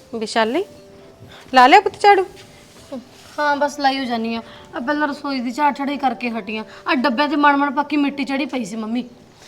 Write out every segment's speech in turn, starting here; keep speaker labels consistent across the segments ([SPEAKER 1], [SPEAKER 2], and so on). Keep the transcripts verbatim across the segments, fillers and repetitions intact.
[SPEAKER 1] विशाली ला लिया पुत झाड़ू?
[SPEAKER 2] हाँ बस लाई हो जानी आ। पहला रसोई दी झाड़ छड़ाई करके हटी आ। आ डब्बे ते मण मण पक्की मिट्टी चढ़ी पई सी मम्मी।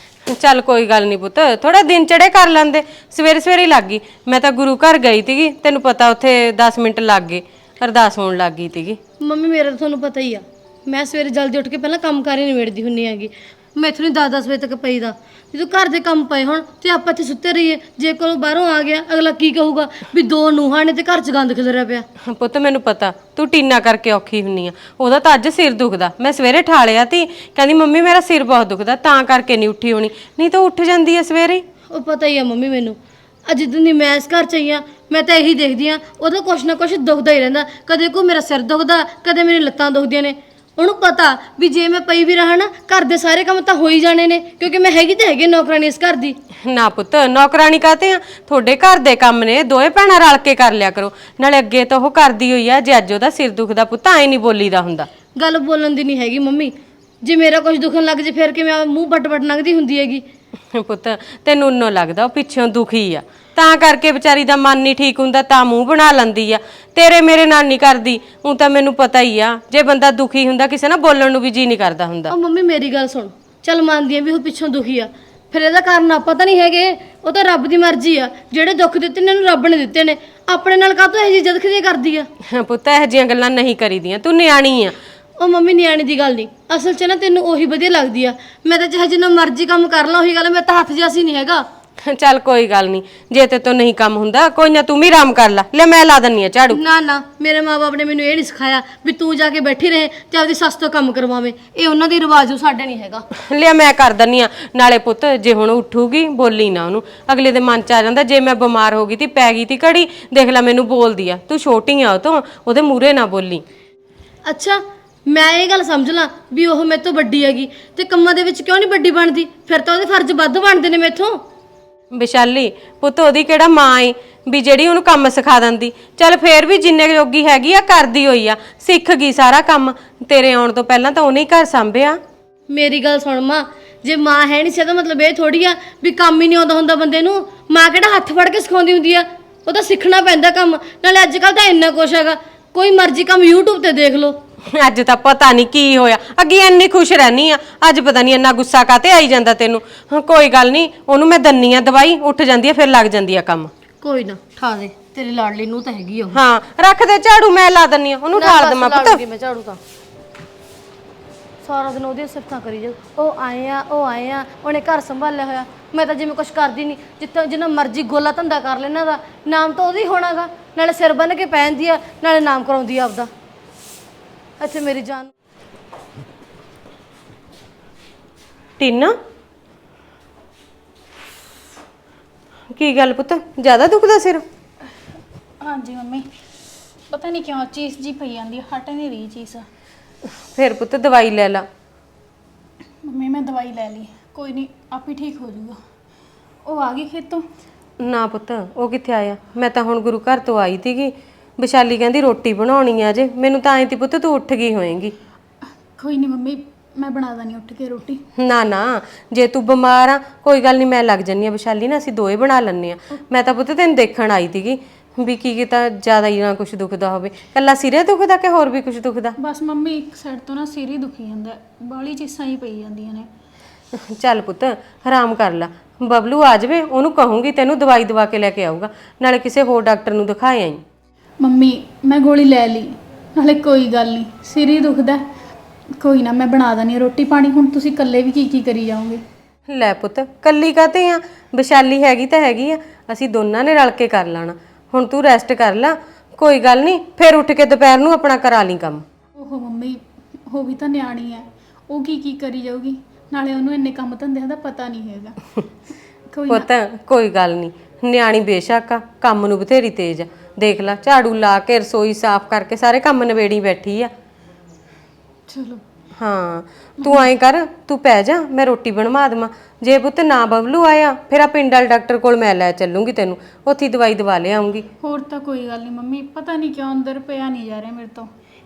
[SPEAKER 1] चल कोई गल नहीं पुत, थोड़ा दिन चढ़े कर लेंदे। सवेरे सवेरे लग गई, मैं तो गुरु घर गई थी, तेन पता उत्थे दस मिनट लग गए, अरदास होने लग गई थी।
[SPEAKER 2] मम्मी मेरा तो थोनू पता ही आ, मैं सवेरे जल्दी उठ के पहला काम कार ही निबेड़दी हुन्नी हैगी। मैं इथों नहीं दस दस बजे तक पई दा। जो घर के काम पे होण ते आपां इत्थे सुत्ते रहिए, जे कोई बाहरों आ गया अगला की कहूगा भी दो नूहां ने ते घर च गंद खिलरिया पिया।
[SPEAKER 1] पुत मैनू पता तू टीना करके औखी हुन्नी आ, ओहदा तां अज सिर दुखदा। मैं सवेरे ठालिया ती, कहंदी मम्मी मेरा सिर बहुत दुखदा तां करके नहीं उठी होनी, नहीं तो उठ जांदी है सवेरे।
[SPEAKER 2] ਉਹ ਪਤਾ ਹੀ ਆ ਮੰਮੀ ਮੈਨੂੰ, ਅੱਜ ਜਿੱਦਣ ਦੀ ਮੈਂ ਇਸ ਘਰ ਚ ਆਈ ਆ ਮੈਂ ਤਾਂ ਇਹੀ ਦੇਖਦੀ ਆ ਉਹਦਾ ਕੁਛ ਨਾ ਕੁਛ ਦੁਖਦਾ ਹੀ ਰਹਿੰਦਾ। ਕਦੇ ਕੋਈ ਮੇਰਾ ਸਿਰ ਦੁਖਦਾ, ਕਦੇ ਮੇਰੀ ਲੱਤਾਂ ਦੁਖਦੀਆਂ ਨੇ। ਉਹਨੂੰ ਪਤਾ ਵੀ ਜੇ ਮੈਂ ਪਈ ਵੀ ਰਹਾ ਨਾ ਘਰ ਦੇ ਸਾਰੇ ਕੰਮ ਤਾਂ ਹੋ ਹੀ ਜਾਣੇ ਨੇ, ਕਿਉਂਕਿ ਮੈਂ ਹੈਗੀ ਤਾਂ ਹੈਗੀ ਨੌਕਰਾਨੀ ਇਸ ਘਰ ਦੀ।
[SPEAKER 1] ना पुत नौकरानी कहते हैं, थोड़े घर दे काम ने दोए भैणां रल के कर लिया करो। नाले अगे तो वो करदी हुई आ, जे अज ओहदा सिर दुखदा पुत ऐ नहीं बोलीदा हुंदा।
[SPEAKER 2] ਗੱਲ ਬੋਲਣ ਦੀ ਨਹੀਂ ਹੈਗੀ ਮੰਮੀ, ਜੇ ਮੇਰਾ ਕੁਝ ਦੁਖਣ ਲੱਗ ਜੇ ਫਿਰ ਕਿ ਮੈਂ ਮੂੰਹ ਵੱਟ ਵੱਟ ਲੰਘਦੀ ਹੁੰਦੀ ਹੈਗੀ।
[SPEAKER 1] पुत तेनू उन्नो लगदा ओ पिछों दुखी आ, तां करके बेचारी दा मन नहीं ठीक हुंदा, तां मूंह बना लंदी आ। तेरे मेरे नाल नहीं करदी, हूं तां मैनू पता ही आ, जे बंदा दुखी हुंदा किसे ना बोलण नू भी जी नहीं करदा हुंदा।
[SPEAKER 2] ਉਹ ਮੰਮੀ ਮੇਰੀ ਗੱਲ ਸੁਣ, ਚੱਲ ਮੰਨਦੀ ਆ ਵੀ ਉਹ ਪਿੱਛੋਂ ਦੁਖੀ ਆ, ਫਿਰ ਇਹਦਾ ਕਾਰਨ ਆਪਾਂ ਤਾਂ ਨਹੀਂ ਹੈਗੇ, ਉਹ ਤਾਂ ਰੱਬ ਦੀ ਮਰਜ਼ੀ ਆ। ਜਿਹੜੇ ਦੁੱਖ ਦਿੱਤੇ ਨੇ ਇਹਨੂੰ ਰੱਬ ਨੇ ਦਿੱਤੇ ਨੇ, ਆਪਣੇ ਨਾਲ ਕਾਹਤੋਂ ਇਹ ਜਿਹੀ ਜਦਖਦੀਆਂ ਕਰਦੀ ਆ।
[SPEAKER 1] पुत इहो जिहियां गल्लां नहीं करीदियां, तू न्याणी आ।
[SPEAKER 2] ਉਹ ਮੰਮੀ ਨਿਆਣੀ ਦੀ ਗੱਲ ਨਹੀਂ, ਅਸਲ 'ਚ ਨਾ ਤੈਨੂੰ ਉਹੀ ਵਧੀਆ ਲੱਗਦੀ ਆ। ਮੈਂ ਤਾਂ ਚਾਹੇ ਜਿੰਨਾ ਮਰਜ਼ੀ ਕੰਮ ਕਰ ਲਾਂ, ਉਹੀ ਗੱਲ ਮੈਂ ਤਾਂ ਹੱਥ ਜਿਹਾ ਸੀ ਨਹੀਂ ਹੈਗਾ।
[SPEAKER 1] ਚੱਲ ਕੋਈ ਗੱਲ ਨਹੀਂ, ਜੇ ਤੇ ਤੋਂ ਨਹੀਂ ਕੰਮ ਹੁੰਦਾ ਕੋਈ ਨਾ, ਤੂੰ ਵੀ ਆਰਾਮ ਕਰ ਲੈ। ਲੈ ਮੈਂ ਲਾ ਦਿੰਨੀ ਆ ਝਾੜੂ।
[SPEAKER 2] ਨਾ ਨਾ, ਮੇਰੇ ਮਾਪੇ ਨੇ ਮੈਨੂੰ ਇਹ ਨਹੀਂ ਸਿਖਾਇਆ ਵੀ ਤੂੰ ਜਾ ਕੇ ਬੈਠੀ ਰਹੇ ਤੇ ਆਪਦੀ ਸੱਸ ਤੋਂ ਕੰਮ ਕਰਵਾਵੇਂ। ਇਹ ਉਹਨਾਂ ਦੀ ਰਿਵਾਜ, ਉਹ ਸਾਡੇ ਨਹੀਂ ਹੈਗਾ।
[SPEAKER 1] ਲਿਆ ਮੈਂ ਕਰ ਦਿੰਨੀ ਆ। ਨਾਲੇ ਪੁੱਤ ਜੇ ਹੁਣ ਉੱਠੂਗੀ ਬੋਲੀ ਨਾ ਉਹਨੂੰ, ਅਗਲੇ ਦੇ ਮਨ ਚ ਆ ਜਾਂਦਾ ਜੇ ਮੈਂ ਬਿਮਾਰ ਹੋ ਗਈ ਤੀ ਪੈ ਗਈ ਤੀ ਘੜੀ, ਦੇਖ ਲੈ ਮੈਨੂੰ ਬੋਲਦੀ ਆ। ਤੂੰ ਛੋਟੀ ਆ ਉਹ ਤੋਂ, ਉਹਦੇ ਮੂਹਰੇ ਨਾ ਬੋਲੀ।
[SPEAKER 2] ਅੱਛਾ ਮੈਂ ਇਹ ਗੱਲ ਸਮਝ ਲਾਂ ਵੀ ਉਹ ਮੇਰੇ ਤੋਂ ਵੱਡੀ ਹੈਗੀ ਤੇ ਕੰਮਾਂ ਦੇ ਵਿੱਚ ਕਿਉਂ ਨਹੀਂ ਵੱਡੀ ਬਣਦੀ, ਫਿਰ ਤਾਂ ਉਹਦੇ ਫਰਜ਼ ਵੱਧ ਬਣਦੇ ਨੇ ਮੇਥੋਂ।
[SPEAKER 1] ਵਿਸ਼ਾਲੀ ਪੁੱਤ ਉਹਦੀ ਕਿਹੜਾ ਮਾਂ ਏ ਵੀ ਜਿਹੜੀ ਉਹਨੂੰ ਕੰਮ ਸਿਖਾ ਦਿੰਦੀ। ਚੱਲ ਫੇਰ ਵੀ ਜਿੰਨੇ ਜੋਗੀ ਹੈਗੀ ਆ ਕਰਦੀ ਹੋਈ ਆ, ਸਿੱਖ ਗਈ ਸਾਰਾ ਕੰਮ। ਤੇਰੇ ਆਉਣ ਤੋਂ ਪਹਿਲਾਂ ਤਾਂ ਉਹਨੇ ਹੀ ਘਰ ਸੰਭਿਆ।
[SPEAKER 2] ਮੇਰੀ ਗੱਲ ਸੁਣ ਮਾਂ, ਜੇ ਮਾਂ ਹੈ ਨਹੀਂ ਸੀ ਤਾਂ ਮਤਲਬ ਇਹ ਥੋੜੀ ਆ ਵੀ ਕੰਮ ਹੀ ਨਹੀਂ ਆਉਂਦਾ ਹੁੰਦਾ ਬੰਦੇ ਨੂੰ। ਮਾਂ ਕਿਹੜਾ ਹੱਥ ਫੜ ਕੇ ਸਿਖਾਉਂਦੀ ਹੁੰਦੀ ਆ, ਉਹ ਤਾਂ ਸਿੱਖਣਾ ਪੈਂਦਾ ਕੰਮ। ਨਾਲੇ ਅੱਜ ਕੱਲ ਤਾਂ ਇੰਨਾ ਕੁਛ ਹੈਗਾ, ਕੋਈ ਮਰਜ਼ੀ ਕੰਮ YouTube ਤੇ ਦੇਖ ਲਓ।
[SPEAKER 1] ਅੱਜ ਤਾਂ ਪਤਾ ਨਹੀਂ ਕੀ ਹੋਇਆ, ਅੱਗੇ ਇੰਨੀ ਖੁਸ਼ ਰਹਿਨੀ ਆ, ਅੱਜ ਪਤਾ ਨਹੀਂ ਇੰਨਾ ਗੁੱਸਾ ਕਾਤੇ ਆਈ ਜਾਂਦਾ ਤੈਨੂੰ। ਹਾਂ ਕੋਈ ਗੱਲ ਨਹੀਂ, ਉਹਨੂੰ ਮੈਂ ਦੰਨੀ ਆ ਦਵਾਈ, ਉੱਠ ਜਾਂਦੀ ਆ ਫਿਰ ਲੱਗ ਜਾਂਦੀ ਆ ਕੰਮ।
[SPEAKER 2] ਕੋਈ ਨਾ ਠਾ ਦੇ, ਤੇਰੀ ਲਾਡਲੀ ਨੂੰ ਤਾਂ ਹੈਗੀ ਉਹ।
[SPEAKER 1] ਹਾਂ ਰੱਖ ਦੇ ਝਾੜੂ, ਮੈਂ ਲਾ ਦੰਨੀ ਆ ਉਹਨੂੰ, ਠਾਲ ਦਵਾਂ ਪੁੱਤ।
[SPEAKER 2] ਮੈਂ ਝਾੜੂ ਤਾਂ ਸਾਰਾ ਦਿਨ ਉਹਦੀਆਂ ਸਿਫਤਾਂ ਕਰੀ ਜਾ, ਉਹ ਆਏ ਆ ਉਹ ਆਏ ਆ, ਉਹਨੇ ਘਰ ਸੰਭਾਲਿਆ ਹੋਇਆ। ਮੈਂ ਤਾਂ ਜਿਵੇਂ ਕੁਛ ਕਰਦੀ ਨਹੀਂ, ਜਿੱਥੇ ਜਿੰਨਾ ਮਰਜ਼ੀ ਗੋਲਾ ਧੰਦਾ ਕਰ ਲੈਣਾ ਦਾ ਨਾਮ ਤਾਂ ਉਹਦੀ ਹੋਣਾਗਾ। ਨਾਲੇ ਸਿਰ ਬੰਨ ਕੇ ਪੈਂਦੀ ਆ, ਨਾਲੇ ਨਾਮ ਕਰਾਉਂਦੀ ਆ ਆਪਦਾ। ਅੱਛਾ ਮੇਰੀ ਜਾਨ
[SPEAKER 1] ਟੀਨਾ ਕੀ ਗੱਲ ਪੁੱਤ, ਜ਼ਿਆਦਾ ਦੁਖਦਾ ਸਿਰ?
[SPEAKER 3] हाँ जी मम्मी, पता नहीं क्यों चीज़ जी पई जाती है, हट नहीं रही चीज़।
[SPEAKER 1] ਫਿਰ ਪੁੱਤ ਦਵਾਈ ਲੈ ਲਾ।
[SPEAKER 3] मम्मी मैं दवाई ले ली, कोई नहीं आप ही ठीक हो जाऊगा। वो आ गई खेतों?
[SPEAKER 1] ਨਾ ਪੁੱਤ ਉਹ ਕਿੱਥੇ ਆਇਆ, ਮੈਂ ਤਾਂ ਹੁਣ ਗੁਰੂ ਘਰ ਤੋਂ ਆਈ ਸੀਗੀ। ਵਿਸ਼ਾਲੀ ਕਹਿੰਦੀ ਰੋਟੀ ਬਣਾਉਣੀ ਆ ਜੇ, ਮੈਨੂੰ ਤਾਂ ਐਂ ਤੀ ਪੁੱਤ ਤੂੰ ਉੱਠ ਗਈ ਹੋਏਂਗੀ।
[SPEAKER 3] कोई नहीं मम्मी, मैं बना देनी उठ के रोटी।
[SPEAKER 1] ਨਾ ਨਾ ਜੇ ਤੂੰ ਬਿਮਾਰ ਆ ਕੋਈ ਗੱਲ ਨਹੀਂ, ਮੈਂ ਲੱਗ ਜੰਨੀ ਆ ਵਿਸ਼ਾਲੀ ਨਾ, ਅਸੀਂ ਦੋਏ ਬਣਾ ਲੈਣੇ ਆ। ਮੈਂ ਤਾਂ ਪੁੱਤ ਤੈਨੂੰ ਦੇਖਣ ਆਈ ਸੀਗੀ ਵੀ ਕੀ ਕੀਤਾ ਜ਼ਿਆਦਾ ਹੀ ਨਾ ਕੁਝ ਦੁਖਦਾ ਹੋਵੇ, ਕੱਲਾ ਸਿਰੇ ਦੁਖਦਾ ਕਿ ਹੋਰ ਵੀ ਕੁਝ ਦੁਖਦਾ?
[SPEAKER 3] बस मम्मी एक साइड तो ना सिर ही दुखी जाता, बाली चीज़ां ही पई जांदियां ने।
[SPEAKER 1] ਚੱਲ ਪੁੱਤ ਆਰਾਮ ਕਰ ਲੈ, ਬਬਲੂ ਆ ਜਾਵੇ ਉਹਨੂੰ ਕਹੂੰਗੀ ਤੈਨੂੰ ਦਵਾਈ ਦਵਾ ਕੇ ਲੈ ਕੇ ਆਊਗਾ, ਨਾਲੇ ਕਿਸੇ ਹੋਰ ਡਾਕਟਰ ਨੂੰ ਦਿਖਾਏ ਆਈ।
[SPEAKER 3] मम्मी मैं गोली ले ली, नाले कोई गल नहीं, सिर ही दुखदा, कोई ना मैं बना देनी रोटी पानी। हुण तुसीं कल्ले भी की की करी जाओगे?
[SPEAKER 1] ਲੈ ਪੁੱਤ ਕੱਲੀ ਕਾਤੇ ਆ, ਵਿਸ਼ਾਲੀ ਹੈਗੀ ਤਾਂ ਹੈਗੀ ਆ, ਅਸੀਂ ਦੋਨਾਂ ਨੇ ਰਲ ਕੇ ਕਰ ਲੈਣਾ। ਹੁਣ ਤੂੰ ਰੈਸਟ ਕਰ ਲੈ, ਕੋਈ ਗੱਲ ਨਹੀਂ, ਫਿਰ ਉੱਠ ਕੇ ਦੁਪਹਿਰ ਨੂੰ ਆਪਣਾ ਕਰਾ ਲਈ ਕੰਮ।
[SPEAKER 3] ओहो मम्मी वो भी तो न्याणी है, वो की की करी जाऊगी, नाले ਉਹਨੂੰ ਇੰਨੇ ਕੰਮ ਧੰਦਿਆਂ ਦਾ ਪਤਾ ਨਹੀਂ ਹੈਗਾ। ਕੋਈ ਨਾ
[SPEAKER 1] ਪੁੱਤ ਕੋਈ ਗੱਲ ਨਹੀਂ, ਨਿਆਣੀ ਬੇਸ਼ੱਕ ਆ, ਕੰਮ ਨੂੰ ਬਥੇਰੀ ਤੇਜ਼ ਆ। ਦੇਖ ਲੈ ਝਾੜੂ ਲਾ ਕੇ ਰਸੋਈ ਸਾਫ਼ ਕਰਕੇ ਸਾਰੇ ਕੰਮ ਨਵੇੜੀ ਬੈਠੀ ਆ।
[SPEAKER 3] ਚਲੋ
[SPEAKER 1] ਹਾਂ ਤੂੰ ਐਂ ਕਰ, ਤੂੰ ਪੈ ਜਾ, ਮੈਂ ਰੋਟੀ ਬਣਵਾ ਦੇਵਾਂ। ਜੇ ਪੁੱਤ ਨਾ ਬਬਲੂ ਆਇਆ ਫਿਰ ਆ ਪਿੰਡ ਵਾਲੇ ਡਾਕਟਰ ਕੋਲ ਮੈਂ ਲੈ ਚੱਲੂੰਗੀ ਤੈਨੂੰ, ਉੱਥੇ ਦਵਾਈ ਦਵਾ ਲਿਆਉਂਗੀ।
[SPEAKER 3] ਹੋਰ ਤਾਂ ਕੋਈ ਗੱਲ ਨਹੀਂ ਮੰਮੀ, ਪਤਾ ਨਹੀਂ ਕਿਉਂ ਅੰਦਰ ਪਿਆ ਨਹੀਂ ਜਾ ਰਿਹਾ ਮੇਰੇ ਤੋਂ।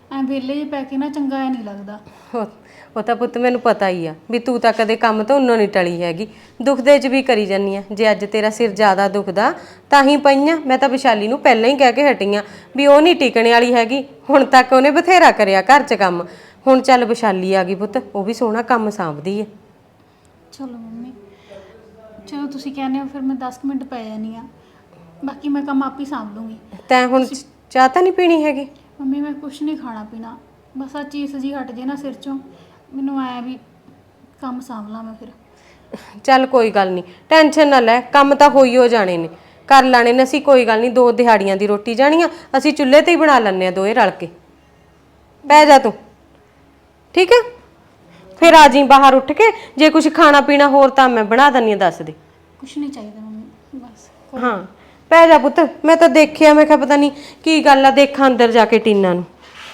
[SPEAKER 3] ਐ ਵਿਹਲੇ ਜਿਹੇ ਪੈ ਕੇ ਨਾ ਚੰਗਾ ਐ ਨਹੀਂ ਲੱਗਦਾ।
[SPEAKER 1] ਉਹ ਤਾਂ ਪੁੱਤ ਮੈਨੂੰ ਪਤਾ ਹੀ ਆ ਵੀ ਤੂੰ ਤਾਂ ਕਦੇ ਕੰਮ ਤੋਂ ਉਨੋਂ ਨਹੀਂ ਟਲੀ ਹੈਗੀ, ਦੁਖਦੇ 'ਚ ਵੀ ਕਰੀ ਜਾਨੀ ਆ। ਜੇ ਅੱਜ ਤੇਰਾ ਸਿਰ ਜ਼ਿਆਦਾ ਦੁਖਦਾ ਤਾਂ ਹੀ ਪਈਆਂ। ਮੈਂ ਤਾਂ ਵਿਸ਼ਾਲੀ ਨੂੰ ਪਹਿਲਾਂ ਹੀ ਕਹਿ ਕੇ ਹਟੀ ਆਂ ਵੀ ਉਹ ਨਹੀਂ ਟਿਕਣੇ ਵਾਲੀ ਹੈਗੀ। ਹੁਣ ਤੱਕ ਉਹਨੇ ਬਥੇਰਾ ਕਰਿਆ ਘਰ 'ਚ ਕੰਮ, ਹੁਣ ਚੱਲ ਵਿਸ਼ਾਲੀ ਆ ਗਈ ਪੁੱਤ, ਉਹ ਵੀ ਸੋਹਣਾ ਕੰਮ ਸਾਂਭਦੀ ਹੈ।
[SPEAKER 3] ਚਲੋ ਮੰਮੀ, ਚਲੋ ਤੁਸੀਂ ਕਹਿੰਦੇ ਹੋ ਫਿਰ ਮੈਂ ਦਸ ਕੁ ਮਿੰਟ ਪੈ ਜਾਨੀ ਆ, ਬਾਕੀ ਮੈਂ ਕੰਮ ਆਪ ਹੀ ਸਾਂਭ ਲੂੰਗੀ।
[SPEAKER 1] ਤੈਂ ਹੁਣ ਚਾਹ ਤਾਂ ਨਹੀਂ ਪੀਣੀ ਹੈਗੀ?
[SPEAKER 3] ਮੰਮੀ ਮੈਂ ਕੁਛ ਨਹੀਂ ਖਾਣਾ ਪੀਣਾ, ਬਸ ਆ ਚੀਜ਼ ਜੀ ਹਟ ਜੇ ਨਾ ਸਿਰ ਚੋਂ, ਮੈਨੂੰ ਆਇਆ ਵੀ ਕੰਮ ਸਾਂਭ ਲਾਂ ਮੈਂ ਫਿਰ।
[SPEAKER 1] ਚੱਲ ਕੋਈ ਗੱਲ ਨਹੀਂ, ਟੈਨਸ਼ਨ ਨਾ ਲੈ, ਕੰਮ ਤਾਂ ਹੋਈ ਹੋ ਜਾਣੇ ਨੇ, ਕਰ ਲਾਣੇ ਨੇ ਅਸੀਂ। ਕੋਈ ਗੱਲ ਨਹੀਂ, ਦੋ ਦਿਹਾੜੀਆਂ ਦੀ ਰੋਟੀ ਜਾਣੀ ਆ, ਅਸੀਂ ਚੁੱਲ੍ਹੇ ਤੇ ਹੀ ਬਣਾ ਲੈਂਦੇ ਆ ਦੋਏ ਰਲ ਕੇ। ਬਹਿ ਜਾ ਤੂੰ, ਠੀਕ ਹੈ? ਫਿਰ ਆ ਜੀ ਬਾਹਰ ਉੱਠ ਕੇ, ਜੇ ਕੁਝ ਖਾਣਾ ਪੀਣਾ ਹੋਰ ਤਾਂ ਮੈਂ ਬਣਾ ਦਿੰਦੀ ਆ, ਦੱਸ ਦੇ।
[SPEAKER 3] ਕੁਛ ਨਹੀਂ ਚਾਹੀਦਾ ਮੰਮੀ, ਬਸ।
[SPEAKER 1] ਹਾਂ ਪੈ ਜਾ ਪੁੱਤ, ਮੈਂ ਤਾਂ ਦੇਖਿਆ, ਮੈਂ ਕਿਹਾ ਪਤਾ ਨਹੀਂ ਕੀ ਗੱਲ ਆ, ਦੇਖਾਂ ਅੰਦਰ ਜਾ ਕੇ ਟੀਨਾ ਨੂੰ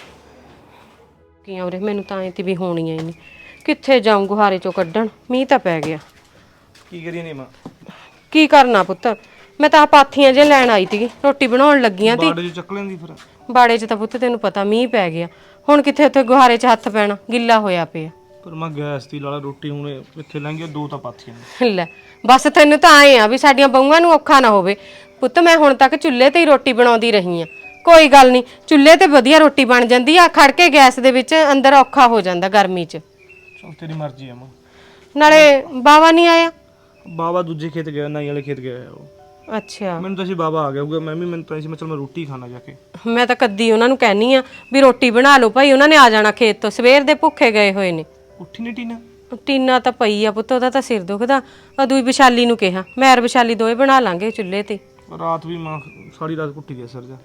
[SPEAKER 1] ਕੀ ਆ ਉਰੇ। ਮੈਨੂੰ ਤਾਂ ਐ ਤੀ ਵੀ ਹੋਣੀਆਂ ਹੀ ਨਹੀਂ, ਕਿੱਥੇ ਜਾਊਂ ਗੁਹਾਰੇ ਚੋਂ ਕੱਢਣ, ਮੀਂਹ ਤਾਂ ਪੈ ਗਿਆ।
[SPEAKER 4] ਕੀ ਕਰੀਏ ਨੀ ਮਾਂ?
[SPEAKER 1] ਕੀ ਕਰਨਾ ਪੁੱਤ, ਮੈਂ ਤਾਂ ਪਾਥੀਆਂ ਜੇ ਲੈਣ ਆਈ ਸੀਗੀ, ਰੋਟੀ ਬਣਾਉਣ ਲੱਗੀਆਂ ਤੀ।
[SPEAKER 4] ਬਾੜੇ ਚ ਚੱਕ ਲੈਂਦੀ ਫਿਰ।
[SPEAKER 1] ਬਾੜੇ 'ਚ ਤਾਂ ਪੁੱਤ ਤੈਨੂੰ ਪਤਾ ਮੀਂਹ ਪੈ ਗਿਆ, ਹੁਣ ਕਿੱਥੇ ਉੱਥੇ ਗੁਹਾਰੇ 'ਚ ਹੱਥ ਪੈਣਾ, ਗਿੱਲਾ ਹੋਇਆ ਪਿਆ।
[SPEAKER 4] ਪਰ ਮੈਂ ਗੈਸ ਦੀ ਲਾਲਾ ਰੋਟੀ ਹੁਣ ਕਿੱਥੇ ਲੰਘੀ, ਦੋ ਤਾਂ ਪਾਥੀਆਂ ਨੇ।
[SPEAKER 1] ਲੈ ਬਸ ਤੈਨੂੰ ਤਾਂ ਆਏ ਆ ਵੀ ਸਾਡੀਆਂ ਬਹੂਆਂ ਨੂੰ ਔਖਾ ਨਾ ਹੋਵੇ। ਪੁੱਤ ਮੈਂ ਹੁਣ ਤੱਕ ਚੁੱਲ੍ਹੇ ਤੇ ਹੀ ਰੋਟੀ ਬਣਾਉਂਦੀ ਰਹੀ ਆ, ਕੋਈ ਗੱਲ ਨਹੀਂ, ਚੁੱਲ੍ਹੇ ਤੇ ਵਧੀਆ ਰੋਟੀ ਬਣ ਜਾਂਦੀ ਆ। ਖੜ ਕੇ ਗੈਸ ਦੇ ਵਿੱਚ ਅੰਦਰ ਔਖਾ ਹੋ ਜਾਂਦਾ ਗਰਮੀ 'ਚ।
[SPEAKER 4] ਚਲ ਤੇਰੀ ਮਰਜ਼ੀ ਆ ਮਾਂ।
[SPEAKER 1] ਨਾਲੇ ਬਾਵਾ ਨਹੀਂ ਆਇਆ?
[SPEAKER 4] ਬਾਬਾ ਦੂਜੇ ਖੇਤ ਗਿਆ, ਨਾਈ ਵਾਲੇ ਖੇਤ ਗਿਆ ਉਹ।
[SPEAKER 1] ਅੱਛਾ,
[SPEAKER 4] ਮੈਨੂੰ ਤਾਂ ਸੀ ਬਾਬਾ ਆ ਗਿਆ ਹੋਊਗਾ, ਮੈਂ ਵੀ ਮੈਨੂੰ ਤਾਂ ਸੀ ਮੈਂ ਚਲ ਮੈਂ ਰੋਟੀ ਖਾਣਾ ਜਾ ਕੇ।
[SPEAKER 1] ਮੈਂ ਤਾਂ ਕੱਦੀ ਉਹਨਾਂ ਨੂੰ ਕਹਿਨੀ ਆ ਵੀ ਰੋਟੀ ਬਣਾ ਲਓ ਭਾਈ, ਉਹਨਾਂ ਨੇ ਆ ਜਾਣਾ ਖੇਤ ਤੋਂ, ਸਵੇਰ ਦੇ ਭੁੱਖੇ ਗਏ ਹੋਏ ਨੇ।
[SPEAKER 4] ਉੱਠੀ ਨਹੀਂ ਟੀਨਾ?
[SPEAKER 1] ਟੀਨਾ ਤਾਂ ਪਈ ਆ ਪੁੱਤ, ਉਹਦਾ ਤਾਂ ਸਿਰ ਦੁਖਦਾ। ਅਦੂਈ ਵਿਸ਼ਾਲੀ ਨੂੰ ਕਿਹਾ, ਮੈਂ ਵਿਸ਼ਾਲੀ ਦੋਵੇਂ ਬਣਾ ਲਾਂਗੇ ਚੁੱਲ੍ਹੇ ਤੇ।
[SPEAKER 4] ਰਾਤ ਵੀ ਮਾਂ ਸਾਰੀ ਰਾਤ ਕੁੱਟੀ ਗਿਆ ਸਿਰ ਜਾ।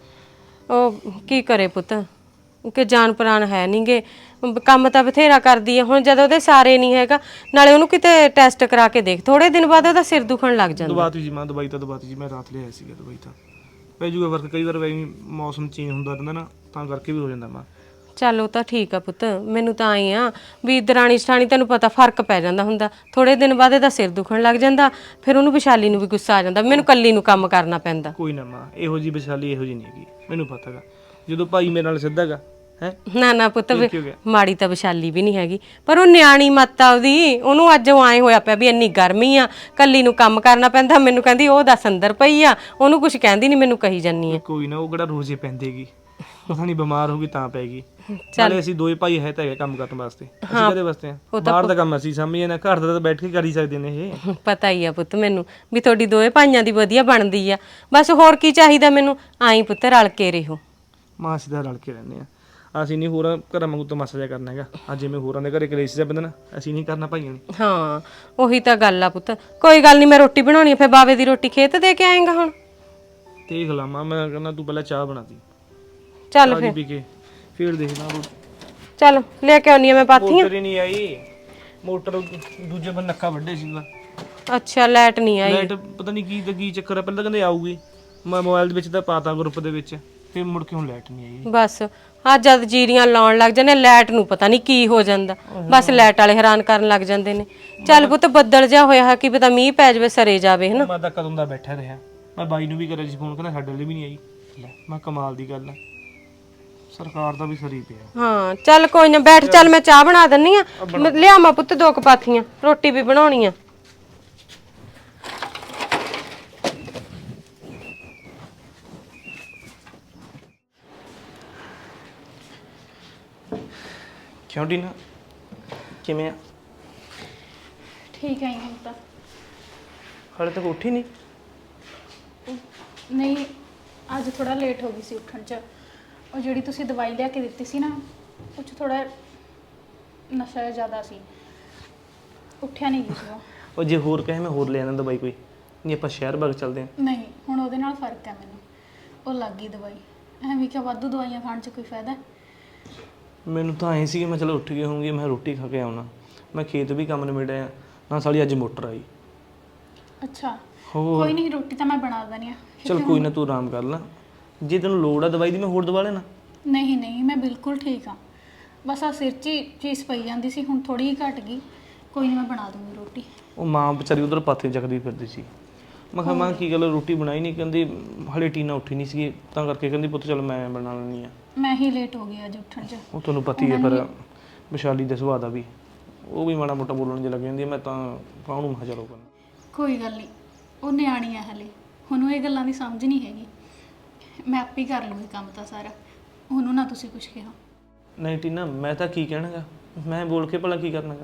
[SPEAKER 1] ਉਹ ਕੀ ਕਰੇ ਪੁੱਤ, ਕਿ ਜਾਨ ਪ੍ਰਾਣ ਹੈ ਨਹੀਂਗੇ, ਕੰਮ ਤਾਂ ਬਥੇਰਾ ਕਰਦੀ ਹੈ। ਹੁਣ ਜਦੋਂ ਉਹਦੇ ਸਾਰੇ ਨਹੀਂ ਹੈਗਾ, ਨਾਲੇ ਉਹਨੂੰ ਕਿਤੇ ਟੈਸਟ ਕਰਾ ਕੇ ਦੇਖ, ਥੋੜੇ ਦਿਨ ਬਾਅਦ ਉਹਦਾ ਸਿਰ ਦੁਖਣ ਲੱਗ ਜਾਂਦਾ।
[SPEAKER 4] ਦਵਾਤੀ ਜੀ ਮਾਂ, ਦਵਾਈ ਤਾਂ ਦਵਾਤੀ ਜੀ, ਮੈਂ ਰਾਤ ਲਿਆਇਆ ਸੀਗਾ ਦਵਾਈ ਤਾਂ। ਪੈ ਜੂਗਾ ਵਰਕ, ਕਈ ਵਾਰ ਵੈਸੇ ਮੌਸਮ ਚੇਂਜ ਹੁੰਦਾ ਰਹਿੰਦਾ ਨਾ, ਤਾਂ ਕਰਕੇ ਵੀ ਹੋ ਜਾਂਦਾ ਮਾਂ।
[SPEAKER 1] ਚੱਲ ਉਹ ਤਾਂ ਠੀਕ ਆ ਪੁੱਤ, ਮੈਨੂੰ ਤਾਂ ਆਏ ਆ ਵੀ ਦਰਾਣੀ ਸਠਾਣੀ ਤੈਨੂੰ ਪਤਾ ਫਰਕ ਪੈ ਜਾਂਦਾ ਹੁੰਦਾ, ਥੋੜੇ ਦਿਨ ਬਾਅਦ ਇਹਦਾ ਸਿਰ ਦੁਖਣ ਲੱਗ ਜਾਂਦਾ, ਫਿਰ ਉਹਨੂੰ ਵਿਸ਼ਾਲੀ ਨੂੰ ਵੀ ਗੁੱਸਾ ਆ ਜਾਂਦਾ, ਮੈਨੂੰ ਕੱਲੀ ਨੂੰ ਕੰਮ ਕਰਨਾ ਪੈਂਦਾ।
[SPEAKER 4] ਕੋਈ ਨਾ ਮਾਂ, ਇਹੋ ਜੀ ਵਿਸ਼ਾਲੀ ਇਹੋ ਜੀ ਨਹੀਂ ਹੈਗੀ, ਮੈਨੂੰ ਪਤਾ ਗਾ। ਜਦੋਂ ਭਾਈ ਮੇਰੇ ਨਾਲ ਸਿੱਧਾ ਗਾ ਹੈ।
[SPEAKER 1] ਨਾ ਨਾ ਪੁੱਤ, ਮਾੜੀ ਤਾਂ ਵਿਸ਼ਾਲੀ ਵੀ ਨਹੀਂ ਹੈਗੀ, ਪਰ ਉਹ ਨਿਆਣੀ ਮੱਤ ਆ ਉਹਦੀ, ਉਹਨੂੰ ਅੱਜ ਉਹ ਆਏ ਹੋਇਆ ਪਿਆ ਵੀ ਇੰਨੀ ਗਰਮੀ ਆ, ਕੱਲੀ ਨੂੰ ਕੰਮ ਕਰਨਾ ਪੈਂਦਾ। ਮੈਨੂੰ ਕਹਿੰਦੀ ਉਹ ਦੱਸ ਅੰਦਰ ਪਈ ਆ, ਉਹਨੂੰ ਕੁਝ ਕਹਿੰਦੀ ਨਹੀਂ, ਮੈਨੂੰ ਕਹੀ ਜਾਨੀ ਆ।
[SPEAKER 4] ਕੋਈ ਨਾ, ਉਹ ਕਿਹੜਾ ਰੋਜ਼ੇ ਪੈਂਦੇਗੀ, ਪਤਾ ਨਹੀਂ ਬਿਮਾਰ ਹੋ ਗਈ ਤਾਂ ਪੈਗੀ। ਨਾਲੇ ਅਸੀਂ ਦੋਏ ਭਾਈ ਹੈ ਤਾਂ ਹੈਗੇ ਕੰਮ ਕਰਨ ਵਾਸਤੇ, ਅਸੀਂ ਕਦੇ ਵਾਸਤੇ ਆ? ਬਾਹਰ ਦਾ ਕੰਮ ਅਸੀਂ ਸਮਝੀਏ ਨਾ, ਘਰ ਦਾ ਤਾਂ ਬੈਠ ਕੇ ਕਰ ਹੀ ਸਕਦੇ ਨੇ ਇਹ।
[SPEAKER 1] ਪਤਾ ਹੀ ਆ ਪੁੱਤ ਮੈਨੂੰ ਵੀ ਤੁਹਾਡੀ ਦੋਏ ਭਾਈਆਂ ਦੀ ਵਧੀਆ ਬਣਦੀ ਆ, ਬਸ ਹੋਰ ਕੀ ਚਾਹੀਦਾ ਮੈਨੂੰ, ਆਈ ਪੁੱਤ ਰਲ ਕੇ ਰਹੋ।
[SPEAKER 4] ਮਾਂ ਅਸੀਂ ਤਾਂ ਰਲ ਕੇ ਰਹਿੰਦੇ ਆ, ਅਸੀਂ ਨਹੀਂ ਹੋਰਾਂ ਘਰਾਂ ਵਾਂਗੂ ਤਮਾਸ਼ਾ ਜਿਹਾ ਕਰਨਾ ਹੈਗਾ। ਅੱਜ ਜਿਵੇਂ ਹੋਰਾਂ ਦੇ ਘਰੇ ਕਲੇਸ਼ ਜਿਹਾ ਪੈਂਦਾ ਨਾ, ਅਸੀਂ ਨਹੀਂ ਕਰਨਾ ਭਾਈਆਂ ਨੇ।
[SPEAKER 1] ਹਾਂ ਉਹੀ ਤਾਂ ਗੱਲ ਆ ਪੁੱਤ, ਕੋਈ ਗੱਲ ਨਹੀਂ, ਮੈਂ ਰੋਟੀ ਬਣਾਉਣੀ ਆ, ਫਿਰ ਬਾਵੇ ਦੀ ਰੋਟੀ ਖੇਤ ਦੇ ਕੇ ਆਏਗਾ ਹੁਣ।
[SPEAKER 4] ਦੇਖ ਲਾ ਮਾਂ, ਮੈਂ ਕਹਿੰਦਾ ਤੂੰ ਪਹਿਲਾਂ ਚਾਹ ਬਣਾ ਦੀ,
[SPEAKER 1] ਚੱਲ
[SPEAKER 4] ਚਾਹ
[SPEAKER 1] ਫਿਰ
[SPEAKER 4] ਪੀ ਕੇ ਫਿਰ ਦੇਖਦਾ।
[SPEAKER 1] ਚੱਲ ਲੈ ਕੇ ਆਉਣੀ ਆ ਮੈਂ ਪਾਥੀਆਂ।
[SPEAKER 4] ਮੋਟਰ ਹੀ ਨਹੀਂ ਆਈ, ਮੋਟਰ ਦੂਜੇ ਬੰਨ ਨੱਕਾ ਵੱਡੇ ਸੀਗਾ।
[SPEAKER 1] ਅੱਛਾ ਲਾਈਟ ਨਹੀਂ ਆਈ?
[SPEAKER 4] ਲਾਈਟ ਪਤਾ ਨਹੀਂ ਕੀ ਤੇ ਕੀ ਚੱਕਰ ਆ, ਪਹਿਲਾਂ ਕਹਿੰਦੇ ਆਊਗੀ, ਮੈਂ ਮੋਬਾਈਲ ਦੇ ਵਿੱਚ ਤਾਂ ਪਾਤਾ ਗਰੁੱਪ ਦੇ ਵਿੱਚ, ਫਿਰ ਮੁੜ ਕੇ ਹੁਣ ਲਾਈਟ ਨਹੀਂ ਆਈ।
[SPEAKER 1] ਬਸ ਆ ਜਦ ਜੀਰੀਆਂ ਲਾਉਣ ਲੱਗ ਜਾਂਦੇ ਲਾਈਟ ਨੂੰ ਪਤਾ ਨਹੀਂ ਕੀ ਹੋ ਜਾਂਦਾ, ਬਸ ਲਾਈਟ ਵਾਲੇ ਹੈਰਾਨ ਕਰਨ ਲੱਗ ਜਾਂਦੇ ਨੇ। ਚੱਲ ਪੁੱਤ ਬੱਦਲ ਜਾ ਹੋਇਆ ਹੈ, ਕੀ ਪਤਾ ਮੀਂਹ ਪੈ ਜਾਵੇ, ਸਰੇ ਜਾਵੇ ਹਨਾ।
[SPEAKER 4] ਮੈਂ ਤਾਂ ਕਦੋਂ ਦਾ ਬੈਠਾ ਰਿਹਾ, ਮੈਂ ਬਾਈ ਨੂੰ ਵੀ ਕਰਿਆ ਸੀ ਫੋਨ, ਕਹਿੰਦਾ ਸਾਡੇ ਲਈ ਵੀ ਨਹੀਂ ਆਈ। ਲੈ ਮੈਂ ਕਮਾਲ ਦੀ ਗੱਲ ਆ, ਸਰਕਾਰ ਦਾ ਵੀ ਸਰੀ ਪਿਆ।
[SPEAKER 1] ਹਾਂ ਚੱਲ ਕੋਈ ਨਾ ਬੈਠ, ਚੱਲ ਮੈਂ ਚਾਹ ਬਣਾ ਦਿੰਨੀ ਆ, ਲਿਆਵਾਂ ਪੁੱਤ ਦੋ ਕਪਾਥੀਆਂ, ਰੋਟੀ ਵੀ ਬਣਾਉਣੀ ਆ।
[SPEAKER 4] ਕਿਉਂ ਡੀਨਾ, ਕਿਵੇਂ ਆ?
[SPEAKER 3] ਠੀਕ ਹੈ ਹੁਣ ਤਾਂ।
[SPEAKER 4] ਹਾਲੇ ਤੱਕ ਉੱਠੀ ਨਹੀਂ?
[SPEAKER 3] ਨਹੀਂ, ਅੱਜ ਥੋੜਾ ਲੇਟ ਹੋ ਗਈ ਸੀ ਉੱਠਣ 'ਚ। ਉਹ ਜਿਹੜੀ ਤੁਸੀਂ ਦਵਾਈ ਲਿਆ ਕੇ ਦਿੱਤੀ ਸੀ ਨਾ, ਉਹ 'ਚ ਥੋੜਾ ਨਸ਼ਾ ਜ਼ਿਆਦਾ ਸੀ, ਉੱਠਿਆ ਨਹੀਂ ਗਿਆ।
[SPEAKER 4] ਉਹ ਜੇ ਹੋਰ ਕਹੇ ਮੈਂ ਹੋਰ ਲੈ ਆਣਾ ਦਵਾਈ ਕੋਈ, ਨਹੀਂ ਆਪਾਂ ਸ਼ਹਿਰ ਬਾਗ ਚੱਲਦੇ ਹਾਂ।
[SPEAKER 3] ਨਹੀਂ ਹੁਣ ਉਹਦੇ ਨਾਲ ਫਰਕ ਹੈ ਮੈਨੂੰ, ਉਹ ਲੱਗ ਗਈ ਦਵਾਈ। ਐਵੇਂ ਕਿ ਵਾਧੂ ਦਵਾਈਆਂ ਖਾਣ 'ਚ ਕੋਈ ਫਾਇਦਾ?
[SPEAKER 4] ਮੈਨੂੰ ਤਾਂ ਐਂ ਸੀ ਕਿ ਮੈਂ ਚਲੋ ਉੱਠ ਗਈ ਹੋਊਂਗੀ, ਮੈਂ ਰੋਟੀ ਖਾ ਕੇ ਆਉਣਾ, ਮੈਂ ਖੇਤ ਵੀ ਕੰਮ ਨਿਬੜਿਆ ਨਾ, ਸਾਲੀ ਅੱਜ ਮੋਟਰ ਆਈ।
[SPEAKER 3] ਅੱਛਾ
[SPEAKER 4] ਹੋਰ
[SPEAKER 3] ਕੋਈ ਨਹੀਂ, ਰੋਟੀ ਤਾਂ ਮੈਂ ਬਣਾ ਦਿੰਦੀ ਆ।
[SPEAKER 4] ਚਲ ਕੋਈ ਨਾ, ਤੂੰ ਆਰਾਮ ਕਰ ਲੈ, ਜੇ ਤੈਨੂੰ ਲੋੜ ਆ ਦਵਾਈ ਦੀ ਮੈਂ ਹੋਰ ਦਵਾ ਲੈਣਾ।
[SPEAKER 3] ਨਹੀਂ ਨਹੀਂ ਮੈਂ ਬਿਲਕੁਲ ਠੀਕ ਹਾਂ, ਬਸ ਆ ਸਿਰ 'ਚ ਹੀ ਚੀਜ਼ ਪਈ ਜਾਂਦੀ ਸੀ, ਹੁਣ ਥੋੜੀ ਜਿਹੀ ਘਟ ਗਈ। ਕੋਈ ਨਹੀਂ ਮੈਂ ਬਣਾ ਦੂੰਗੀ ਰੋਟੀ।
[SPEAKER 4] ਉਹ ਮਾਂ ਵਿਚਾਰੀ ਉਧਰ ਪਾਥੇ ਚੱਕਦੀ ਫਿਰਦੀ ਸੀ, ਮੈਂ ਕਿਹਾ ਮਾਂ ਕੀ ਗੱਲ ਰੋਟੀ ਬਣਾਈ ਨਹੀਂ? ਕਹਿੰਦੀ ਹਲੇ ਟੀਨਾ ਉੱਠੀ ਨਹੀਂ ਸੀ ਤਾਂ ਕਰਕੇ ਕਹਿੰਦੀ ਪੁੱਤ ਚਲ ਮੈਂ ਬਣਾ ਲੈਣੀ ਆ।
[SPEAKER 3] ਮੈਂ ਹੀ ਲੇਟ ਹੋ ਗਈ ਅੱਜ ਉੱਠਣ 'ਚ।
[SPEAKER 4] ਉਹ ਤੁਹਾਨੂੰ ਪਤਾ ਹੀ ਹੈ ਪਰ ਵਿਸ਼ਾਲੀ ਦੇ ਸੁਭਾਅ ਦਾ ਵੀ ਉਹ ਵੀ ਮਾੜਾ ਮੋਟਾ ਬੋਲਣ ਜੇ ਲੱਗ ਜਾਂਦੀ ਹੈ। ਮੈਂ ਤਾਂ ਕਾਹਨੂੰ ਮਾ ਚਲੋ ਕਰਨਾ।
[SPEAKER 3] ਕੋਈ ਗੱਲ ਨਹੀਂ, ਉਹ ਨਿਆਣੀ ਆ ਹਲੇ, ਉਹਨੂੰ ਇਹ ਗੱਲਾਂ ਦੀ ਸਮਝ ਨਹੀਂ ਹੈਗੀ। ਮੈਂ ਆਪੇ ਕਰ ਲੂੰਗੀ ਕੰਮ ਤਾਂ ਸਾਰਾ, ਉਹਨੂੰ ਨਾ ਤੁਸੀਂ ਕੁਝ ਕਿਹਾ।
[SPEAKER 4] ਨਹੀਂ ਟੀਨਾ ਮੈਂ ਤਾਂ ਕੀ ਕਹਿਣਾਗਾ, ਮੈਂ ਬੋਲ ਕੇ ਭਲਾ ਕੀ ਕਰਨਾਗਾ?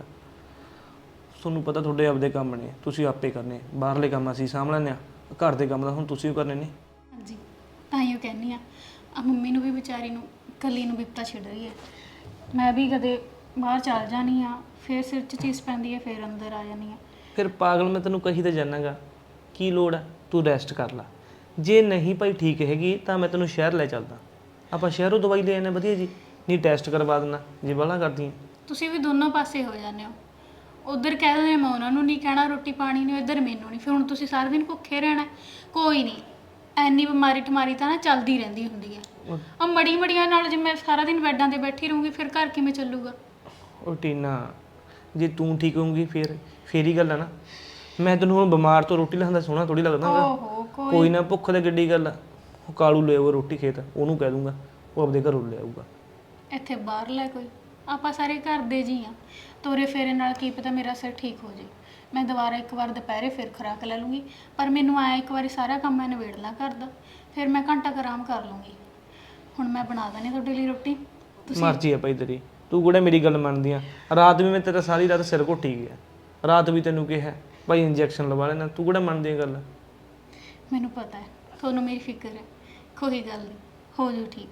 [SPEAKER 4] ਤੁਹਾਨੂੰ ਪਤਾ ਤੁਹਾਡੇ ਆਪਦੇ ਕੰਮ ਨੇ, ਤੁਸੀਂ ਆਪੇ ਕਰਨੇ। ਬਾਹਰਲੇ ਕੰਮ ਅਸੀਂ ਸਾਂਭ ਲੈਂਦੇ ਹਾਂ, ਘਰ ਦੇ ਕੰਮ ਦਾ ਹੁਣ ਤੁਸੀਂ ਵੀ ਕਰਨੇ ਨੇ।
[SPEAKER 3] ਹਾਂਜੀ, ਤਾਂ ਹੀ ਉਹ ਕਹਿੰਦੀ ਆ ਆ ਮੰਮੀ ਨੂੰ ਵੀ ਵਿਚਾਰੀ ਨੂੰ ਕੱਲੀ ਨੂੰ ਬਿਪਤਾ ਛਿੜ ਰਹੀ ਹੈ। ਮੈਂ ਵੀ ਕਦੇ ਬਾਹਰ ਚੱਲ ਜਾਣੀ ਆ, ਫਿਰ ਸਿਰ 'ਚ ਚੀਜ਼ ਪੈਂਦੀ ਹੈ, ਫਿਰ ਅੰਦਰ ਆ ਜਾਣੀ ਆ।
[SPEAKER 4] ਫਿਰ ਪਾਗਲ ਮੈਂ ਤੈਨੂੰ ਕਹੀ ਤਾਂ ਜਾਨਾਗਾ, ਕੀ ਲੋੜ ਹੈ? ਤੂੰ ਰੈਸਟ ਕਰ ਲੈ। ਜੇ ਨਹੀਂ ਭਾਈ ਠੀਕ ਹੈਗੀ ਤਾਂ ਮੈਂ ਤੈਨੂੰ ਸ਼ਹਿਰ ਲੈ ਚੱਲਦਾ, ਆਪਾਂ ਸ਼ਹਿਰੋਂ ਦਵਾਈ ਲੈ ਆਨੇ ਵਧੀਆ ਜੀ, ਨਹੀਂ ਟੈਸਟ ਕਰਵਾ ਦੇਣਾ ਜੇ ਬਾਹਲਾ ਕਰਦੀ।
[SPEAKER 3] ਤੁਸੀਂ ਵੀ ਦੋਨੋਂ ਪਾਸੇ ਹੋ ਜਾਂਦੇ ਹੋ, ਉਧਰ ਕਹਿ ਦਿੰਦੇ ਮੈਂ ਉਹਨਾਂ ਨੂੰ ਨਹੀਂ ਕਹਿਣਾ ਰੋਟੀ ਪਾਣੀ ਨਹੀਂ, ਇੱਧਰ ਮੈਨੂੰ ਨਹੀਂ। ਫਿਰ ਹੁਣ ਤੁਸੀਂ ਸਾਰਾ ਦਿਨ ਭੁੱਖੇ ਰਹਿਣਾ? ਕੋਈ ਨਹੀਂ, ਐਨੀ ਬਿਮਾਰੀ ਠਮਾਰੀ ਤਾਂ ਨਾ ਚੱਲਦੀ ਰਹਿੰਦੀ ਹੁੰਦੀ ਹੈ। ਆ ਮੜੀ ਮੜੀਆਂ ਨਾਲ ਜੇ ਮੈਂ ਸਾਰਾ ਦਿਨ ਬੈੱਡਾਂ ਤੇ ਬੈਠੀ ਰਹੂੰਗੀ ਫਿਰ ਘਰ ਕਿਵੇਂ ਚੱਲੂਗਾ?
[SPEAKER 4] ਉਹ ਟੀਨਾ ਜੇ ਤੂੰ ਠੀਕ ਹੋਊਗੀ ਫਿਰ ਫੇਰ ਹੀ ਗੱਲ ਹੈ ਨਾ। ਮੈਂ ਤੈਨੂੰ ਹੁਣ ਬਿਮਾਰ ਤੋਂ ਰੋਟੀ ਲਿਆਉਂਦਾ ਸੋਹਣਾ ਥੋੜੀ ਲੱਗਦਾ ਗਾ।
[SPEAKER 3] ਓਹੋ ਕੋਈ
[SPEAKER 4] ਕੋਈ ਨਾ, ਭੁੱਖ ਤੇ ਗੱਡੀ ਗੱਲ ਆ। ਉਹ ਕਾਲੂ ਲੈ ਆਊਗਾ ਰੋਟੀ ਖੇਤ, ਉਹਨੂੰ ਕਹਿ ਦੂੰਗਾ ਉਹ ਆਪਦੇ ਘਰੋਂ ਲੈ ਆਊਗਾ।
[SPEAKER 3] ਇੱਥੇ ਬਾਹਰ ਲੈ ਕੋਈ, ਆਪਾਂ ਸਾਰੇ ਘਰ ਦੇ ਜੀ ਆ, ਤੋਰੇ ਫੇਰੇ ਨਾਲ ਕੀ ਪਤਾ ਮੇਰਾ ਸਿਰ ਠੀਕ ਹੋ ਜੇ। ਮੈਂ ਦੁਬਾਰਾ ਇੱਕ ਵਾਰ ਦੁਪਹਿਰੇ ਫਿਰ ਖੁਰਾਕ ਲੈ ਲੂੰਗੀ, ਪਰ ਮੈਨੂੰ ਆਇਆ ਇੱਕ ਵਾਰੀ ਸਾਰਾ ਕੰਮ ਮੈਂ ਨਿਬੇੜ ਲਾਂ ਘਰ ਦਾ, ਫਿਰ ਮੈਂ ਘੰਟਾ ਕੁ ਆਰਾਮ ਕਰ ਲੂੰਗੀ। ਹੁਣ ਮੈਂ ਬਣਾ ਦਣੀ ਤੁਹਾਡੇ ਲਈ ਰੋਟੀ।
[SPEAKER 4] ਮਰਜ਼ੀ ਆ ਭਾਈ ਤੇਰੀ, ਤੂੰ ਕਿਹੜਾ ਮੇਰੀ ਗੱਲ ਮੰਨਦੀ ਆ? ਰਾਤ ਵੀ ਮੈਂ ਤੇਰਾ ਸਾਰੀ ਰਾਤ ਸਿਰ ਘੁੱਟੀ ਗਿਆ, ਰਾਤ ਵੀ ਤੈਨੂੰ ਕਿਹਾ ਭਾਈ ਇੰਜੈਕਸ਼ਨ ਲਵਾ ਲੈਣਾ, ਤੂੰ ਕਿਹੜਾ ਮੰਨਦੀ ਆ ਗੱਲ?
[SPEAKER 3] ਮੈਨੂੰ ਪਤਾ ਹੈ ਤੁਹਾਨੂੰ ਮੇਰੀ ਫਿਕਰ ਹੈ, ਕੋਈ ਗੱਲ ਨਹੀਂ, ਹੋ ਜਾਊ ਠੀਕ,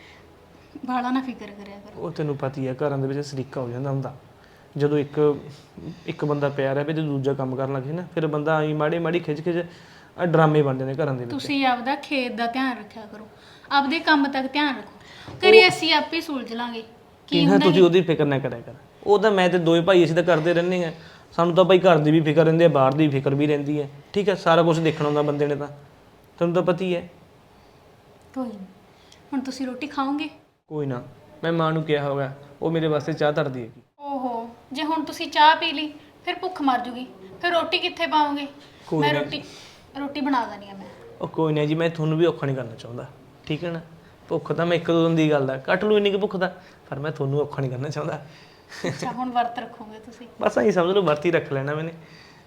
[SPEAKER 3] ਬਾਲਾ ਨਾ ਫਿਕਰ ਕਰਿਆ ਕਰੋ।
[SPEAKER 4] ਉਹ ਤੈਨੂੰ ਪਤਾ ਹੀ ਆ ਘਰਾਂ ਦੇ ਵਿੱਚ ਸਰੀਕਾ ਹੋ ਜਾਂਦਾ ਹੁੰਦਾ, ਜਦੋਂ ਇੱਕ ਇੱਕ ਬੰਦਾ ਪਿਆ ਰਹੇ ਤੇ ਦੂਜਾ ਕੰਮ ਕਰਨ ਲੱਗੇ ਨਾ, ਫਿਰ ਬੰਦਾ ਆਈ ਮਾੜੀ ਮਾੜੀ ਖਿੱਚ ਖਿੱਚ ਆ ਡਰਾਮੇ ਬਣ ਜਾਂਦੇ ਘਰਾਂ ਦੇ ਵਿੱਚ।
[SPEAKER 3] ਤੁਸੀਂ ਆਪਦਾ ਖੇਤ ਦਾ ਧਿਆਨ ਰੱਖਿਆ ਕਰੋ, ਆਪਦੇ ਕੰਮ ਤੱਕ ਧਿਆਨ ਰੱਖੋ, ਕਰੀ ਅਸੀਂ ਆਪੇ ਸੁਲਝ ਲਾਂਗੇ।
[SPEAKER 4] ਕੀ ਨਾ ਤੁਸੀਂ ਉਹਦੀ ਫਿਕਰ ਨਾ ਕਰਿਆ ਕਰ, ਉਹ ਤਾਂ ਮੈਂ ਤੇ ਦੋਵੇਂ ਭਾਈ ਅਸੀਂ ਤਾਂ ਕਰਦੇ ਰਹਿੰਦੇ ਆ, ਸਾਨੂੰ ਤਾਂ ਭਾਈ ਘਰ ਦੀ ਵੀ ਫਿਕਰ ਰਹਿੰਦੀ ਹੈ, ਬਾਹਰ ਦੀ ਫਿਕਰ ਵੀ ਰਹਿੰਦੀ ਹੈ। ਠੀਕ ਹੈ, ਸਾਰਾ ਕੁਝ ਦੇਖਣਾ ਹੁੰਦਾ ਬੰਦੇ ਨੇ, ਤਾਂ ਤੁਹਾਨੂੰ ਤਾਂ ਪਤਾ ਹੀ ਹੈ।
[SPEAKER 3] ਕੋਈ ਨਹੀਂ, ਹੁਣ ਤੁਸੀਂ ਰੋਟੀ ਖਾਓਗੇ?
[SPEAKER 4] ਕੋਈ ਨਾ, ਮੈਂ ਮਾਂ ਨੂੰ ਕਿਹਾ ਹੋਗਾ, ਉਹ ਮੇਰੇ ਵਾਸਤੇ ਚਾਹ ਧਰਦੀ ਹੈਗੀ।
[SPEAKER 3] ਓਹੋ, ਜੇ ਹੁਣ ਤੁਸੀਂ ਚਾਹ ਪੀ ਲਈ ਫਿਰ ਭੁੱਖ ਮਰ ਜੂਗੀ, ਫਿਰ ਰੋਟੀ ਕਿੱਥੇ ਪਾਓਗੇ? ਮੈਂ ਰੋਟੀ ਰੋਟੀ ਬਣਾ ਦਣੀ ਆ ਮੈਂ।
[SPEAKER 4] ਉਹ ਕੋਈ ਨਾ ਜੀ, ਮੈਂ ਤੁਹਾਨੂੰ ਵੀ ਔਖਾ ਨਹੀਂ ਕਰਨਾ ਚਾਹੁੰਦਾ, ਠੀਕ ਹੈ ਨਾ। ਭੁੱਖ ਤਾਂ ਮੈਂ ਇੱਕ ਦੋ ਦਿਨ ਦੀ ਗੱਲ ਦਾ ਕੱਟ ਲੂ ਇੰਨੀ ਕਿ ਭੁੱਖ ਦਾ, ਪਰ ਮੈਂ ਤੁਹਾਨੂੰ ਔਖਾ ਨਹੀਂ ਕਰਨਾ ਚਾਹੁੰਦਾ।
[SPEAKER 3] ਅੱਛਾ, ਹੁਣ ਵਰਤ ਰੱਖੋਗੇ ਤੁਸੀਂ?
[SPEAKER 4] ਬਸ ਐਂ ਸਮਝ ਲਓ ਵਰਤ ਹੀ ਰੱਖ ਲੈਣਾ ਮੈਨੇ।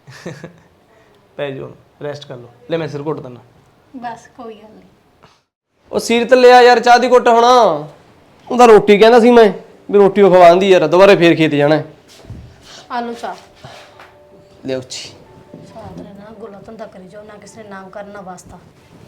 [SPEAKER 4] ਪੈ ਜਾਓ, ਰੈਸਟ ਕਰ ਲਓ। ਲੈ ਮੈਂ ਸਿਰ ਘੁੱਟ ਦਿੰਦਾ।
[SPEAKER 3] ਬਸ ਕੋਈ ਗੱਲ ਨਹੀਂ।
[SPEAKER 5] ਉਹ ਸੀਰਤ ਲਿਆ ਯਾਰ ਚਾਹ ਦੀ ਘੁੱਟ ਹੋਣਾ। ਉਹਦਾ ਰੋਟੀ ਕਹਿੰਦਾ ਸੀ ਮੈਂ ਵੀ ਰੋਟੀ ਉਹ ਖਵਾਉਂਦੀ ਯਾਰ, ਦੁਬਾਰੇ ਫੇਰ ਖੇਤ ਜਾਣਾ।
[SPEAKER 2] ਆਲੂ ਚਾਹ
[SPEAKER 5] ਲਿਓ ਜੀ।
[SPEAKER 2] ਸਾਰਾ ਦਿਨ ਨਾ ਗੋਲਾ ਧੰਦਾ ਕਰੀ ਜਾਓ, ਨਾ ਕਿਸੇ ਨੇ ਨਾਮ ਕਰਨਾ ਵਾਸਤਾ।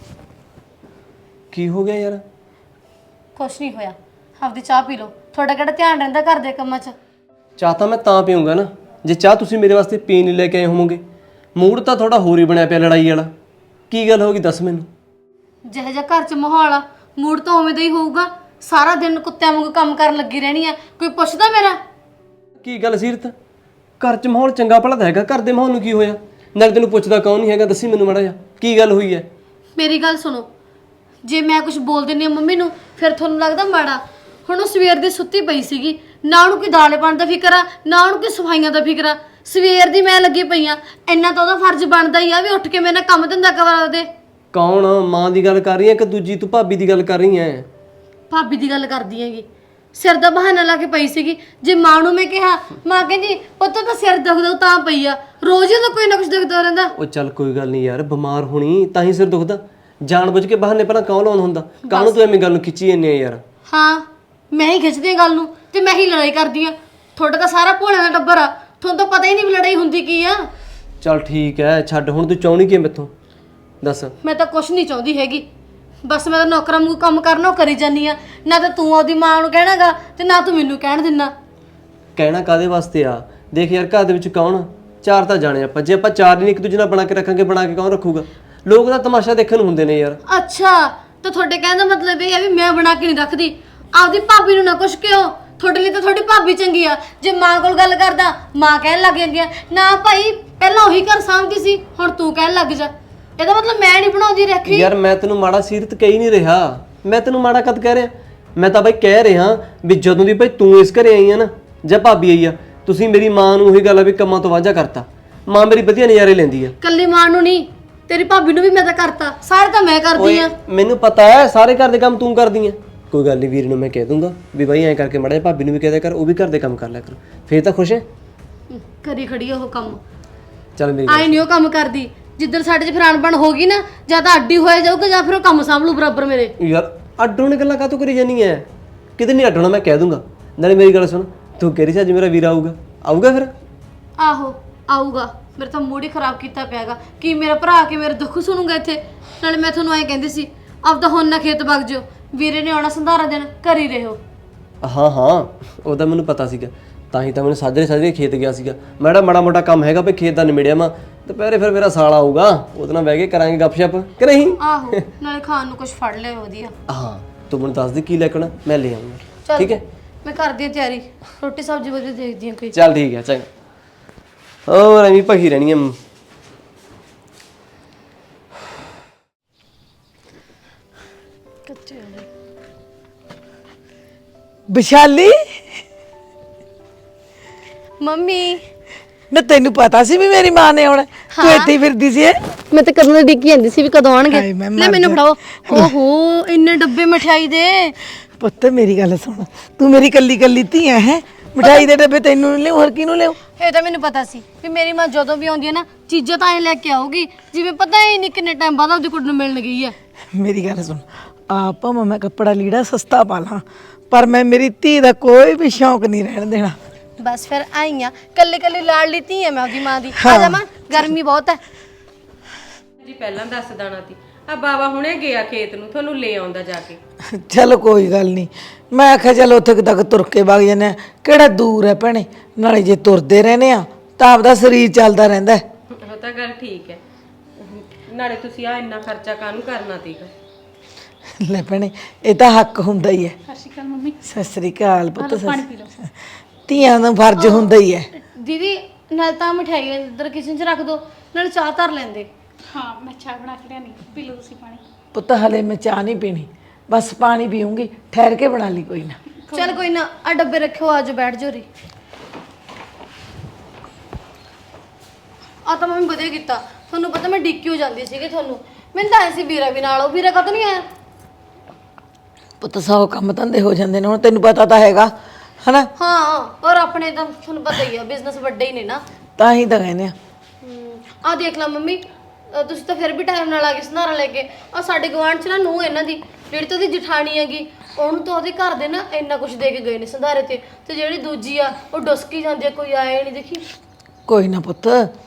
[SPEAKER 5] ਕੀ ਹੋ ਗਿਆ ਯਾਰ?
[SPEAKER 2] ਕੁਛ ਨਹੀਂ ਹੋਇਆ, ਆਪਦੀ ਚਾਹ ਪੀ ਲਓ। ਤੁਹਾਡਾ ਕਿਹੜਾ ਧਿਆਨ ਰਹਿੰਦਾ ਘਰ ਦੇ ਕੰਮਾਂ 'ਚ?
[SPEAKER 5] ਚਾਹ ਤਾਂ ਮੈਂ ਤਾਂ ਪੀਊਂਗਾ ਨਾ ਜੇ ਚਾਹ ਤੁਸੀਂ ਮੇਰੇ ਵਾਸਤੇ ਪੀਣ ਨਹੀਂ ਲੈ ਕੇ ਆਏ ਹੋਵੋਗੇ। ਮੂਡ ਤਾਂ ਥੋੜਾ ਹੋਰ ਹੀ ਬਣਿਆ ਪਿਆ ਲੜਾਈ ਵਾਲਾ। ਕੀ ਗੱਲ ਹੋ ਗਈ ਦੱਸ ਮੈਨੂੰ।
[SPEAKER 2] ਜਿਹੋ ਜਿਹਾ ਘਰ 'ਚ ਮਾਹੌਲ ਆ, ਮੂਡ ਤਾਂ ਉਵੇਂ ਦਾ ਹੀ ਹੋਊਗਾ। ਸਾਰਾ ਦਿਨ ਕੁੱਤਿਆਂ ਵਾਂਗੂ ਕੰਮ ਕਰਨ ਲੱਗੀ ਰਹਿਣੀ ਆ, ਕੋਈ ਪੁੱਛਦਾ ਮੇਰਾ?
[SPEAKER 5] ਕੀ ਗੱਲ ਸੀਰਤ, ਘਰ 'ਚ ਮਾਹੌਲ ਚੰਗਾ ਭਲਾ ਤਾਂ ਹੈਗਾ, ਘਰ ਦੇ ਮਾਹੌਲ ਨੂੰ ਕੀ ਹੋਇਆ? ਨਾਲੇ ਤੈਨੂੰ ਪੁੱਛਦਾ ਕੌਣ ਨਹੀਂ ਹੈਗਾ, ਦੱਸੀ ਮੈਨੂੰ ਮਾੜਾ ਜਿਹਾ ਕੀ ਗੱਲ ਹੋਈ ਹੈ।
[SPEAKER 2] ਮੇਰੀ ਗੱਲ ਸੁਣੋ, ਜੇ ਮੈਂ ਕੁਝ ਬੋਲ ਦਿੰਦੀ ਹਾਂ ਮੰਮੀ ਨੂੰ ਫਿਰ ਤੁਹਾਨੂੰ ਲੱਗਦਾ ਮਾੜਾ। ਹੁਣ ਉਹ ਸਵੇਰ ਦੀ ਸੁੱਤੀ ਪਈ ਸੀਗੀ, ਨਾ ਉਹਨੂੰ ਕੋਈ ਦਾਲੇ ਪਾਣ ਦਾ ਫਿਕਰ ਆ, ਨਾ ਉਹਨੂੰ ਕੋਈ ਸਫਾਈਆਂ ਦਾ ਫਿਕਰ ਆ। ਸਵੇਰ ਦੀ ਮੈਂ ਲੱਗੀ ਪਈ ਆ, ਇੰਨਾ ਤਾਂ ਉਹਦਾ ਫਰਜ਼ ਬਣਦਾ ਹੀ ਆ ਵੀ ਉੱਠ ਕੇ ਮੇਰੇ ਨਾਲ ਕੰਮ ਧੰਦਾ ਕਰਵਾ ਦੇ।
[SPEAKER 5] ਕੌਣ? ਮਾਂ ਦੀ ਗੱਲ ਕਰ ਰਹੀ ਹੈ ਕਿ ਦੂਜੀ ਤੂੰ ਭਾਬੀ ਦੀ ਗੱਲ ਕਰ ਰਹੀ ਹੈ?
[SPEAKER 2] ਭਾਬੀ ਦੀ ਗੱਲ ਕਰਦੀ ਹੈਗੀ। ਸਿਰ ਦਾ ਬਹਾਨਾ ਲਾ ਕੇ ਪਈ ਸੀਗੀ। ਜੇ ਮਾਂ ਨੂੰ ਮੈਂ ਕਿਹਾ, ਮਾਂ ਕਹਿੰਦੀ ਪੁੱਤ ਤਾਂ ਸਿਰ ਦੁਖਦਾ ਤਾਂ ਪਈ ਆ, ਰੋਜ਼ ਹੀ ਤਾਂ ਕੋਈ ਨਾ ਕੁਝ ਦੁਖਦਾ ਰਹਿੰਦਾ।
[SPEAKER 5] ਉਹ ਚੱਲ ਕੋਈ ਗੱਲ ਨਹੀਂ ਯਾਰ, ਬਿਮਾਰ ਹੋਣੀ ਤਾਂ ਹੀ ਸਿਰ ਦੁਖਦਾ। ਜਾਣ ਬੁੱਝ ਕੇ ਬਹਾਨੇ ਪਹਿਲਾਂ ਕੌਣ ਲਾਉਂਦਾ ਹੁੰਦਾ? ਕਾਹਨੂੰ ਤੂੰ ਐਵੇਂ ਗੱਲ ਨੂੰ ਖਿੱਚੀ ਜਾਂਦੀ ਆ ਯਾਰ?
[SPEAKER 2] ਹਾਂ, ਮੈਂ ਹੀ ਖਿੱਚਦੀ ਹਾਂ ਗੱਲ ਨੂੰ ਤੇ ਮੈਂ ਹੀ ਲੜਾਈ ਕਰਦੀ ਆ। ਤੁਹਾਡਾ ਤਾਂ ਸਾਰਾ ਭੋਲਿਆਂ ਦਾ ਟੱਬਰ ਆ, ਤੁਹਾਨੂੰ ਤਾਂ ਪਤਾ ਹੀ ਨਹੀਂ ਵੀ ਲੜਾਈ ਹੁੰਦੀ ਕੀ ਆ।
[SPEAKER 5] ਚੱਲ ਠੀਕ ਹੈ, ਛੱਡ ਹੁਣ। ਤੂੰ ਚਾਹੁੰਦੀ ਕੀ ਮੈਥੋਂ ਦੱਸ?
[SPEAKER 2] ਮੈਂ ਤਾਂ ਕੁਛ ਨਹੀਂ ਚਾਹੁੰਦੀ ਹੈਗੀ, ਬਸ ਮੈਂ ਤਾਂ ਨੌਕਰਾਂ ਵਾਂਗੂ ਕੰਮ ਕਰਨਾ ਉਹ ਕਰੀ ਜਾਨੀ ਆ। ਨਾ ਤਾਂ ਤੂੰ ਉਹਦੀ ਮਾਂ ਨੂੰ ਕਹਿਣਾਗਾ ਤੇ ਨਾ ਤੂੰ ਮੈਨੂੰ ਕਹਿਣ ਦਿੰਦਾ।
[SPEAKER 5] ਕਹਿਣਾ ਕਾਦੇ ਵਾਸਤੇ ਆ? ਦੇਖ ਯਾਰ, ਘਰ ਦੇ ਵਿੱਚ ਕੌਣ? ਚਾਰ ਤਾਂ ਜਾਣੇ ਆਪਾਂ, ਜੇ ਆਪਾਂ ਚਾਰ ਨਹੀਂ ਇੱਕ ਦੂਜੇ ਨਾਲ ਬਣਾ ਕੇ ਰੱਖਾਂਗੇ, ਬਣਾ ਕੇ ਕੌਣ ਰੱਖੂਗਾ? ਲੋਕ ਤਾਂ ਤਮਾਸ਼ਾ ਦੇਖਣ ਨੂੰ ਹੁੰਦੇ ਨੇ ਯਾਰ।
[SPEAKER 2] ਅੱਛਾ, ਤਾਂ ਤੁਹਾਡੇ ਕਹਿਣ ਦਾ ਮਤਲਬ ਇਹ ਹੈ ਵੀ ਮੈਂ ਬਣਾ ਕੇ ਨਹੀਂ ਰੱਖਦੀ। ਆਪਦੀ ਭਾਬੀ ਨੂੰ ਨਾ ਕੁਛ ਕਿਉਂ, ਤੁਹਾਡੇ ਲਈ ਤਾਂ ਤੁਹਾਡੀ ਭਾਬੀ ਚੰਗੀ ਆ। ਜੇ ਮਾਂ ਕੋਲ ਗੱਲ ਕਰਦਾ, ਮਾਂ ਕਹਿਣ ਲੱਗ ਜਾਂਦੀ ਆ ਨਾ ਭਾਈ ਪਹਿਲਾਂ ਉਹੀ ਘਰ ਸਾਂਭਦੀ ਸੀ, ਹੁਣ ਤੂੰ ਕਹਿਣ ਲੱਗ ਜਾ। ਇਹਦਾ ਮਤਲਬ ਮੈਂ ਨਹੀਂ ਬਣਾਉਂਦੀ ਰੱਖੀ।
[SPEAKER 5] ਯਾਰ ਮੈਂ ਤੈਨੂੰ ਮਾੜਾ ਸੀਰਤ ਕਹਿ ਨਹੀਂ ਰਿਹਾ, ਮੈਂ ਤੈਨੂੰ ਮਾੜਾ ਕਦ ਕਹਿ ਰਿਹਾ? ਮੈਂ ਤਾਂ ਬਾਈ ਕਹਿ ਰਿਹਾ ਵੀ ਜਦੋਂ ਦੀ ਭਾਈ ਤੂੰ ਇਸ ਘਰੇ ਆਈ ਆ ਨਾ, ਜਾਂ ਭਾਬੀ ਆਈ ਆ, ਤੁਸੀਂ ਮੇਰੀ ਮਾਂ ਨੂੰ ਉਹੀ ਗੱਲ ਆ ਵੀ ਕੰਮਾਂ ਤੋਂ ਵਾਂਝਾ ਕਰਤਾ। ਮਾਂ ਮੇਰੀ ਵਧੀਆ ਨਜ਼ਾਰੇ ਲੈਂਦੀ ਆ।
[SPEAKER 2] ਕੱਲੀ ਮਾਂ ਨੂੰ ਨਹੀਂ, ਤੇਰੀ ਭਾਬੀ ਨੂੰ ਵੀ ਮੈਂ ਤਾਂ ਕਰਤਾ, ਸਾਰੇ ਤਾਂ ਮੈਂ ਕਰਦੀ ਆ।
[SPEAKER 5] ਮੈਨੂੰ ਪਤਾ ਹੈ ਸਾਰੇ ਘਰ ਦੇ ਕੰਮ ਤੂੰ ਕਰਦੀ ਐ। ਕੋਈ ਗੱਲ ਨਹੀਂ ਵੀਰ ਨੂੰ ਮੈਂ ਕਹਿ ਦੂੰਗਾ ਵੀ ਬਾਈ ਐਂ ਕਰਕੇ ਮੜਾ ਭਾਬੀ ਨੂੰ ਵੀ ਕਹਿ ਦਿਆ ਕਰ, ਉਹ ਵੀ ਘਰ ਦੇ ਕੰਮ ਕਰ ਲਿਆ ਕਰ, ਫੇਰ ਤਾਂ ਖੁਸ਼ ਹੈ।
[SPEAKER 2] ਕਰੀ ਖੜੀ ਉਹ ਕੰਮ,
[SPEAKER 5] ਚੱਲ ਮੇਰੀ
[SPEAKER 2] ਆਈ ਨਹੀਂ ਉਹ ਕੰਮ ਕਰਦੀ। ਜਿੱਦਣ ਸਾਡੇ 'ਚ ਫਿਰ ਅਣਬਣ ਹੋ ਗਈ ਨਾ, ਜਾਂ ਤਾਂ ਅੱਡੀ ਹੋਇਆ ਜਾਊਗਾ ਜਾਂ ਫਿਰ ਉਹ ਕੰਮ ਸਾਂਭ ਲੂ ਬਰਾਬਰ ਮੇਰੇ।
[SPEAKER 5] ਯਾਰ ਅੱਡੋਂ ਨੇ ਗੱਲਾਂ ਕਾਹਤੋਂ ਕਰੀ ਜਾਨੀ ਐ? ਕਿਤੇ ਨਹੀਂ ਅੱਡਣਾ, ਮੈਂ ਕਹਿ ਦੂੰਗਾ। ਨਾਲੇ ਮੇਰੀ ਗੱਲ ਸੁਣ, ਤੂੰ ਕਹਿ ਰਹੀ ਸੀ ਅੱਜ ਮੇਰਾ ਵੀਰ ਆਊਗਾ, ਆਊਗਾ ਫਿਰ?
[SPEAKER 2] ਆਹੋ ਆਊਗਾ। ਮੇਰੇ ਤਾਂ ਮੂਡ ਹੀ ਖਰਾਬ ਕੀਤਾ ਪਿਆਗਾ ਕਿ ਮੇਰਾ ਭਰਾ ਆ ਕੇ ਮੇਰੇ ਦੁੱਖ ਸੁਣੂਗਾ ਇੱਥੇ। ਨਾਲੇ ਮੈਂ ਤੁਹਾਨੂੰ ਐਂ ਕਹਿੰਦੀ ਸੀ ਆਪਦਾ ਹੁਣ ਨਾ ਖੇਤ ਵਗ ਜਿਓ, ਵੀਰੇ ਨੇ ਆਉਣਾ ਸੰਧਾਰਾ ਦੇਣ, ਘਰ ਹੀ ਰਹੋ।
[SPEAKER 5] ਹਾਂ ਹਾਂ ਉਹਦਾ ਮੈਨੂੰ ਪਤਾ ਸੀਗਾ, ਤਾਂ ਹੀ ਤਾਂ ਮੈਨੂੰ ਸਾਜਰੇ ਸਾਜਰੇ ਖੇਤ ਗਿਆ ਸੀਗਾ। ਮੈਂ ਜਿਹੜਾ ਮਾੜਾ ਮੋਟਾ ਕੰਮ ਹੈਗਾ ਭਈ ਖੇਤ ਦਾ ਨਿਬੜਿਆ ਮੈਂ, ਦੁਪਹਿਰੇ ਫਿਰ ਮੇਰਾ ਸਾਲ ਆਊਗਾ, ਉਹਦੇ ਨਾਲ ਬਹਿ ਕੇ ਕਰਾਂਗੇ ਗੱਪਸ਼ਪ ਕਿ ਨਹੀਂ?
[SPEAKER 2] ਆਹੋ ਨਾਲੇ ਖਾਣ ਨੂੰ ਕੁਝ ਫੜ ਲਿਓ ਵਧੀਆ।
[SPEAKER 5] ਹਾਂ ਤੂੰ ਮੈਨੂੰ ਦੱਸ ਦੇ ਕੀ ਲੈ ਕੇ ਆਉਣਾ, ਮੈਂ ਲੈ ਆਉਂਗਾ। ਠੀਕ ਹੈ
[SPEAKER 2] ਮੈਂ ਕਰਦੀ ਹਾਂ ਤਿਆਰੀ, ਰੋਟੀ ਸਬਜ਼ੀ ਵਧੀਆ ਦੇਖਦੀ ਹਾਂ ਕੋਈ।
[SPEAKER 5] ਚੱਲ ਠੀਕ ਹੈ ਚੰਗਾ। ਹੋਰ ਐਵੇਂ ਭਖੀ ਰਹਿਣੀ ਐ।
[SPEAKER 6] ਵਿਸ਼ਾਲੀ,
[SPEAKER 2] ਮੰਮੀ
[SPEAKER 6] ਨਾ ਤੈਨੂੰ ਪਤਾ ਸੀ ਵੀ ਮੇਰੀ ਮਾਂ ਨੇ ਆਉਣਾ? ਤੂੰ ਇੱਥੇ ਹੀ ਫਿਰਦੀ ਸੀ?
[SPEAKER 2] ਮੈਂ ਤਾਂ ਕਦੋਂ ਦੀ ਡਿੱਗੀ ਜਾਂਦੀ ਸੀ ਵੀ ਕਦੋਂ ਆਣਗੇ।
[SPEAKER 6] ਹਾਏ ਮੈਂ
[SPEAKER 2] ਲੈ
[SPEAKER 6] ਮਰ
[SPEAKER 2] ਮੈਨੂੰ
[SPEAKER 6] ਜਾ।
[SPEAKER 2] ਫੜਾਓ। ਓਹੋ ਇੰਨੇ ਡੱਬੇ ਮਠਿਆਈ ਦੇ।
[SPEAKER 6] ਪੁੱਤ ਮੇਰੀ ਗੱਲ ਸੁਣ, ਤੂੰ ਮੇਰੀ ਕੱਲੀ ਕੱਲੀ ਧੀ ਹੈ। ਮਠਾਈ ਦੇ ਡੱਬੇ ਤੈਨੂੰ ਲਿਓ, ਹੋਰ ਕਿਹਨੂੰ ਲਿਓ?
[SPEAKER 2] ਇਹ ਤਾਂ ਮੈਨੂੰ ਪਤਾ ਸੀ ਵੀ ਮੇਰੀ ਮਾਂ ਜਦੋਂ ਵੀ ਆਉਂਦੀ ਹੈ ਨਾ, ਚੀਜ਼ਾਂ ਤਾਂ ਐ ਲੈ ਕੇ ਆਊਗੀ ਜਿਵੇਂ ਪਤਾ ਹੀ ਨਹੀਂ ਕਿੰਨੇ ਟਾਈਮ ਬਾਅਦ ਉਹਦੀ ਕੁੜੀ ਨੂੰ ਮਿਲਣ ਗਈ ਹੈ।
[SPEAKER 6] ਮੇਰੀ ਗੱਲ ਸੁਣ, ਆਪ ਭਾਵੇਂ ਮੈਂ ਕੱਪੜਾ ਲੀੜਾ ਸਸਤਾ ਪਾ ਲਾਂ, ਪਰ ਮੈਂ ਮੇਰੀ ਧੀ ਦਾ ਕੋਈ ਵੀ ਸ਼ੌਂਕ ਨਹੀਂ ਰਹਿਣ ਦੇਣਾ।
[SPEAKER 2] ਬਸ ਫਿਰ ਆਈ ਆ, ਕੱਲੇ ਕੱਲੇ ਲਾੜ ਲਿੱਤੀ ਹੈ ਮੈਂ ਉਹਦੀ ਮਾਂ ਦੀ। ਆ ਜਾ ਮਾਂ, ਗਰਮੀ ਬਹੁਤ ਹੈ।
[SPEAKER 1] ਜੀ ਪਹਿਲਾਂ ਦੱਸ ਦੇਣਾ ਸੀ, ਆ ਬਾਬਾ ਹੁਣੇ ਗਿਆ ਖੇਤ ਨੂੰ, ਤੁਹਾਨੂੰ ਲੈ ਆਉਂਦਾ ਜਾ ਕੇ।
[SPEAKER 6] ਚਲ ਕੋਈ ਗੱਲ ਨਹੀਂ, ਮੈਂ ਆਖਿਆ ਚਲ ਉੱਥੇ ਕੁ ਤੱਕ ਤੁਰ ਕੇ ਵਗ ਜਾਂਦੇ ਆ, ਕਿਹੜਾ ਦੂਰ ਹੈ ਭੈਣੇ। ਨਾਲੇ ਜੇ ਤੁਰਦੇ ਰਹਿੰਦੇ ਆ ਤਾਂ ਆਪਦਾ ਸਰੀਰ ਚੱਲਦਾ ਰਹਿੰਦਾ ਹੈ।
[SPEAKER 1] ਉਹ ਤਾਂ ਗੱਲ ਠੀਕ ਹੈ, ਨਾਲੇ ਤੁਸੀਂ ਆ ਇੰਨਾ ਖਰਚਾ ਕਾਹਨੂੰ ਕਰਨਾ ਸੀਗਾ?
[SPEAKER 6] ਲੈ ਭੈਣੇ ਇਹ ਤਾਂ ਹੱਕ ਹੁੰਦਾ ਹੀ ਹੈ।
[SPEAKER 3] ਸਤਿ ਸ਼੍ਰੀ ਅਕਾਲ ਮੰਮੀ।
[SPEAKER 6] ਸਤਿ ਸ੍ਰੀ ਅਕਾਲ ਪੁੱਤ।
[SPEAKER 3] ਪਾਣੀ ਪੀ ਲਓ।
[SPEAKER 6] ਧੀਆਂ ਦਾ ਫਰਜ਼ ਹੁੰਦਾ ਹੀ ਹੈ।
[SPEAKER 2] ਦੀਦੀ ਨਾਲ ਤਾਂ ਮਠਿਆਈ ਇੱਧਰ ਕਿਚਨ 'ਚ ਰੱਖ ਦੋ, ਨਾਲ ਚਾਹ ਧਰ ਲੈਂਦੇ।
[SPEAKER 3] ਹਾਂ ਮੈਂ ਚਾਹ ਬਣਾ ਕੇ ਲਿਆਨੀ, ਪੀ ਲਓ ਤੁਸੀਂ ਪਾਣੀ।
[SPEAKER 6] ਪੁੱਤ ਹਲੇ ਮੈਂ ਚਾਹ ਨਹੀਂ ਪੀਣੀ, ਬਸ ਪਾਣੀ ਪੀਉਂਗੀ, ਠਹਿਰ ਕੇ ਬਣਾ ਲਈ ਕੋਈ ਨਾ।
[SPEAKER 2] ਚੱਲ ਕੋਈ ਨਾ, ਆ ਡੱਬੇ ਰੱਖਿਓ, ਆਜੋ ਬੈਠ ਜਾਓ ਰੀ। ਆ ਤਾਂ ਮੈਂ ਵਧੀਆ ਕੀਤਾ, ਤੁਹਾਨੂੰ ਪਤਾ ਮੈਂ ਡਿੱਕੀ ਹੋ ਜਾਂਦੀ ਸੀਗੀ ਤੁਹਾਨੂੰ। ਮੈਨੂੰ ਤਾਂ ਐ ਸੀ ਵੀਰਾ ਵੀ ਨਾਲ, ਉਹ ਵੀਰਾ ਕਦੋਂ ਨਹੀਂ ਆਇਆ?
[SPEAKER 6] ਪੁੱਤ ਸੌ ਕੰਮ ਧੰਦੇ ਹੋ ਜਾਂਦੇ ਨੇ, ਹੁਣ ਤੈਨੂੰ ਪਤਾ ਤਾਂ ਹੈਗਾ ਹਨਾ।
[SPEAKER 2] ਹਾਂ ਔਰ ਆਪਣੇ ਤਾਂ ਤੁਹਾਨੂੰ ਪਤਾ ਹੀ ਆ, ਬਿਜ਼ਨਸ ਵੱਡੇ ਹੀ ਨੇ ਨਾ।
[SPEAKER 6] ਤਾਂ ਹੀ ਤਾਂ ਕਹਿੰਦੇ ਆ।
[SPEAKER 2] ਆ ਦੇਖ ਲਾ ਮੰਮੀ, ਅ, ਤੁਸੀਂ ਤਾਂ ਫਿਰ ਵੀ ਟਾਈਮ ਨਾਲ ਆ ਗਏ ਸੰਧਾਰਾ ਲੈ ਕੇ। ਆ ਸਾਡੇ ਗਵਾਂਢ 'ਚ ਨਾ ਨੂੰਹ ਇਹਨਾਂ ਦੀ, ਜਿਹੜੀ ਤਾਂ ਉਹਦੀ ਜਠਾਣੀ ਹੈਗੀ, ਉਹਨੂੰ ਤਾਂ ਉਹਦੇ ਘਰ ਦੇ ਨਾ ਇੰਨਾ ਕੁਝ ਦੇ ਕੇ ਗਏ ਨੇ ਸੰਧਾਰੇ ਤੇ। ਤੇ ਜਿਹੜੀ ਦੂਜੀ ਆ ਉਹ ਡੁਸਕੀ ਜਾਂਦੀ ਆ, ਕੋਈ ਆਏ ਨਹੀਂ ਦੇਖੀ।
[SPEAKER 6] ਕੋਈ ਨਾ ਪੁੱਤ,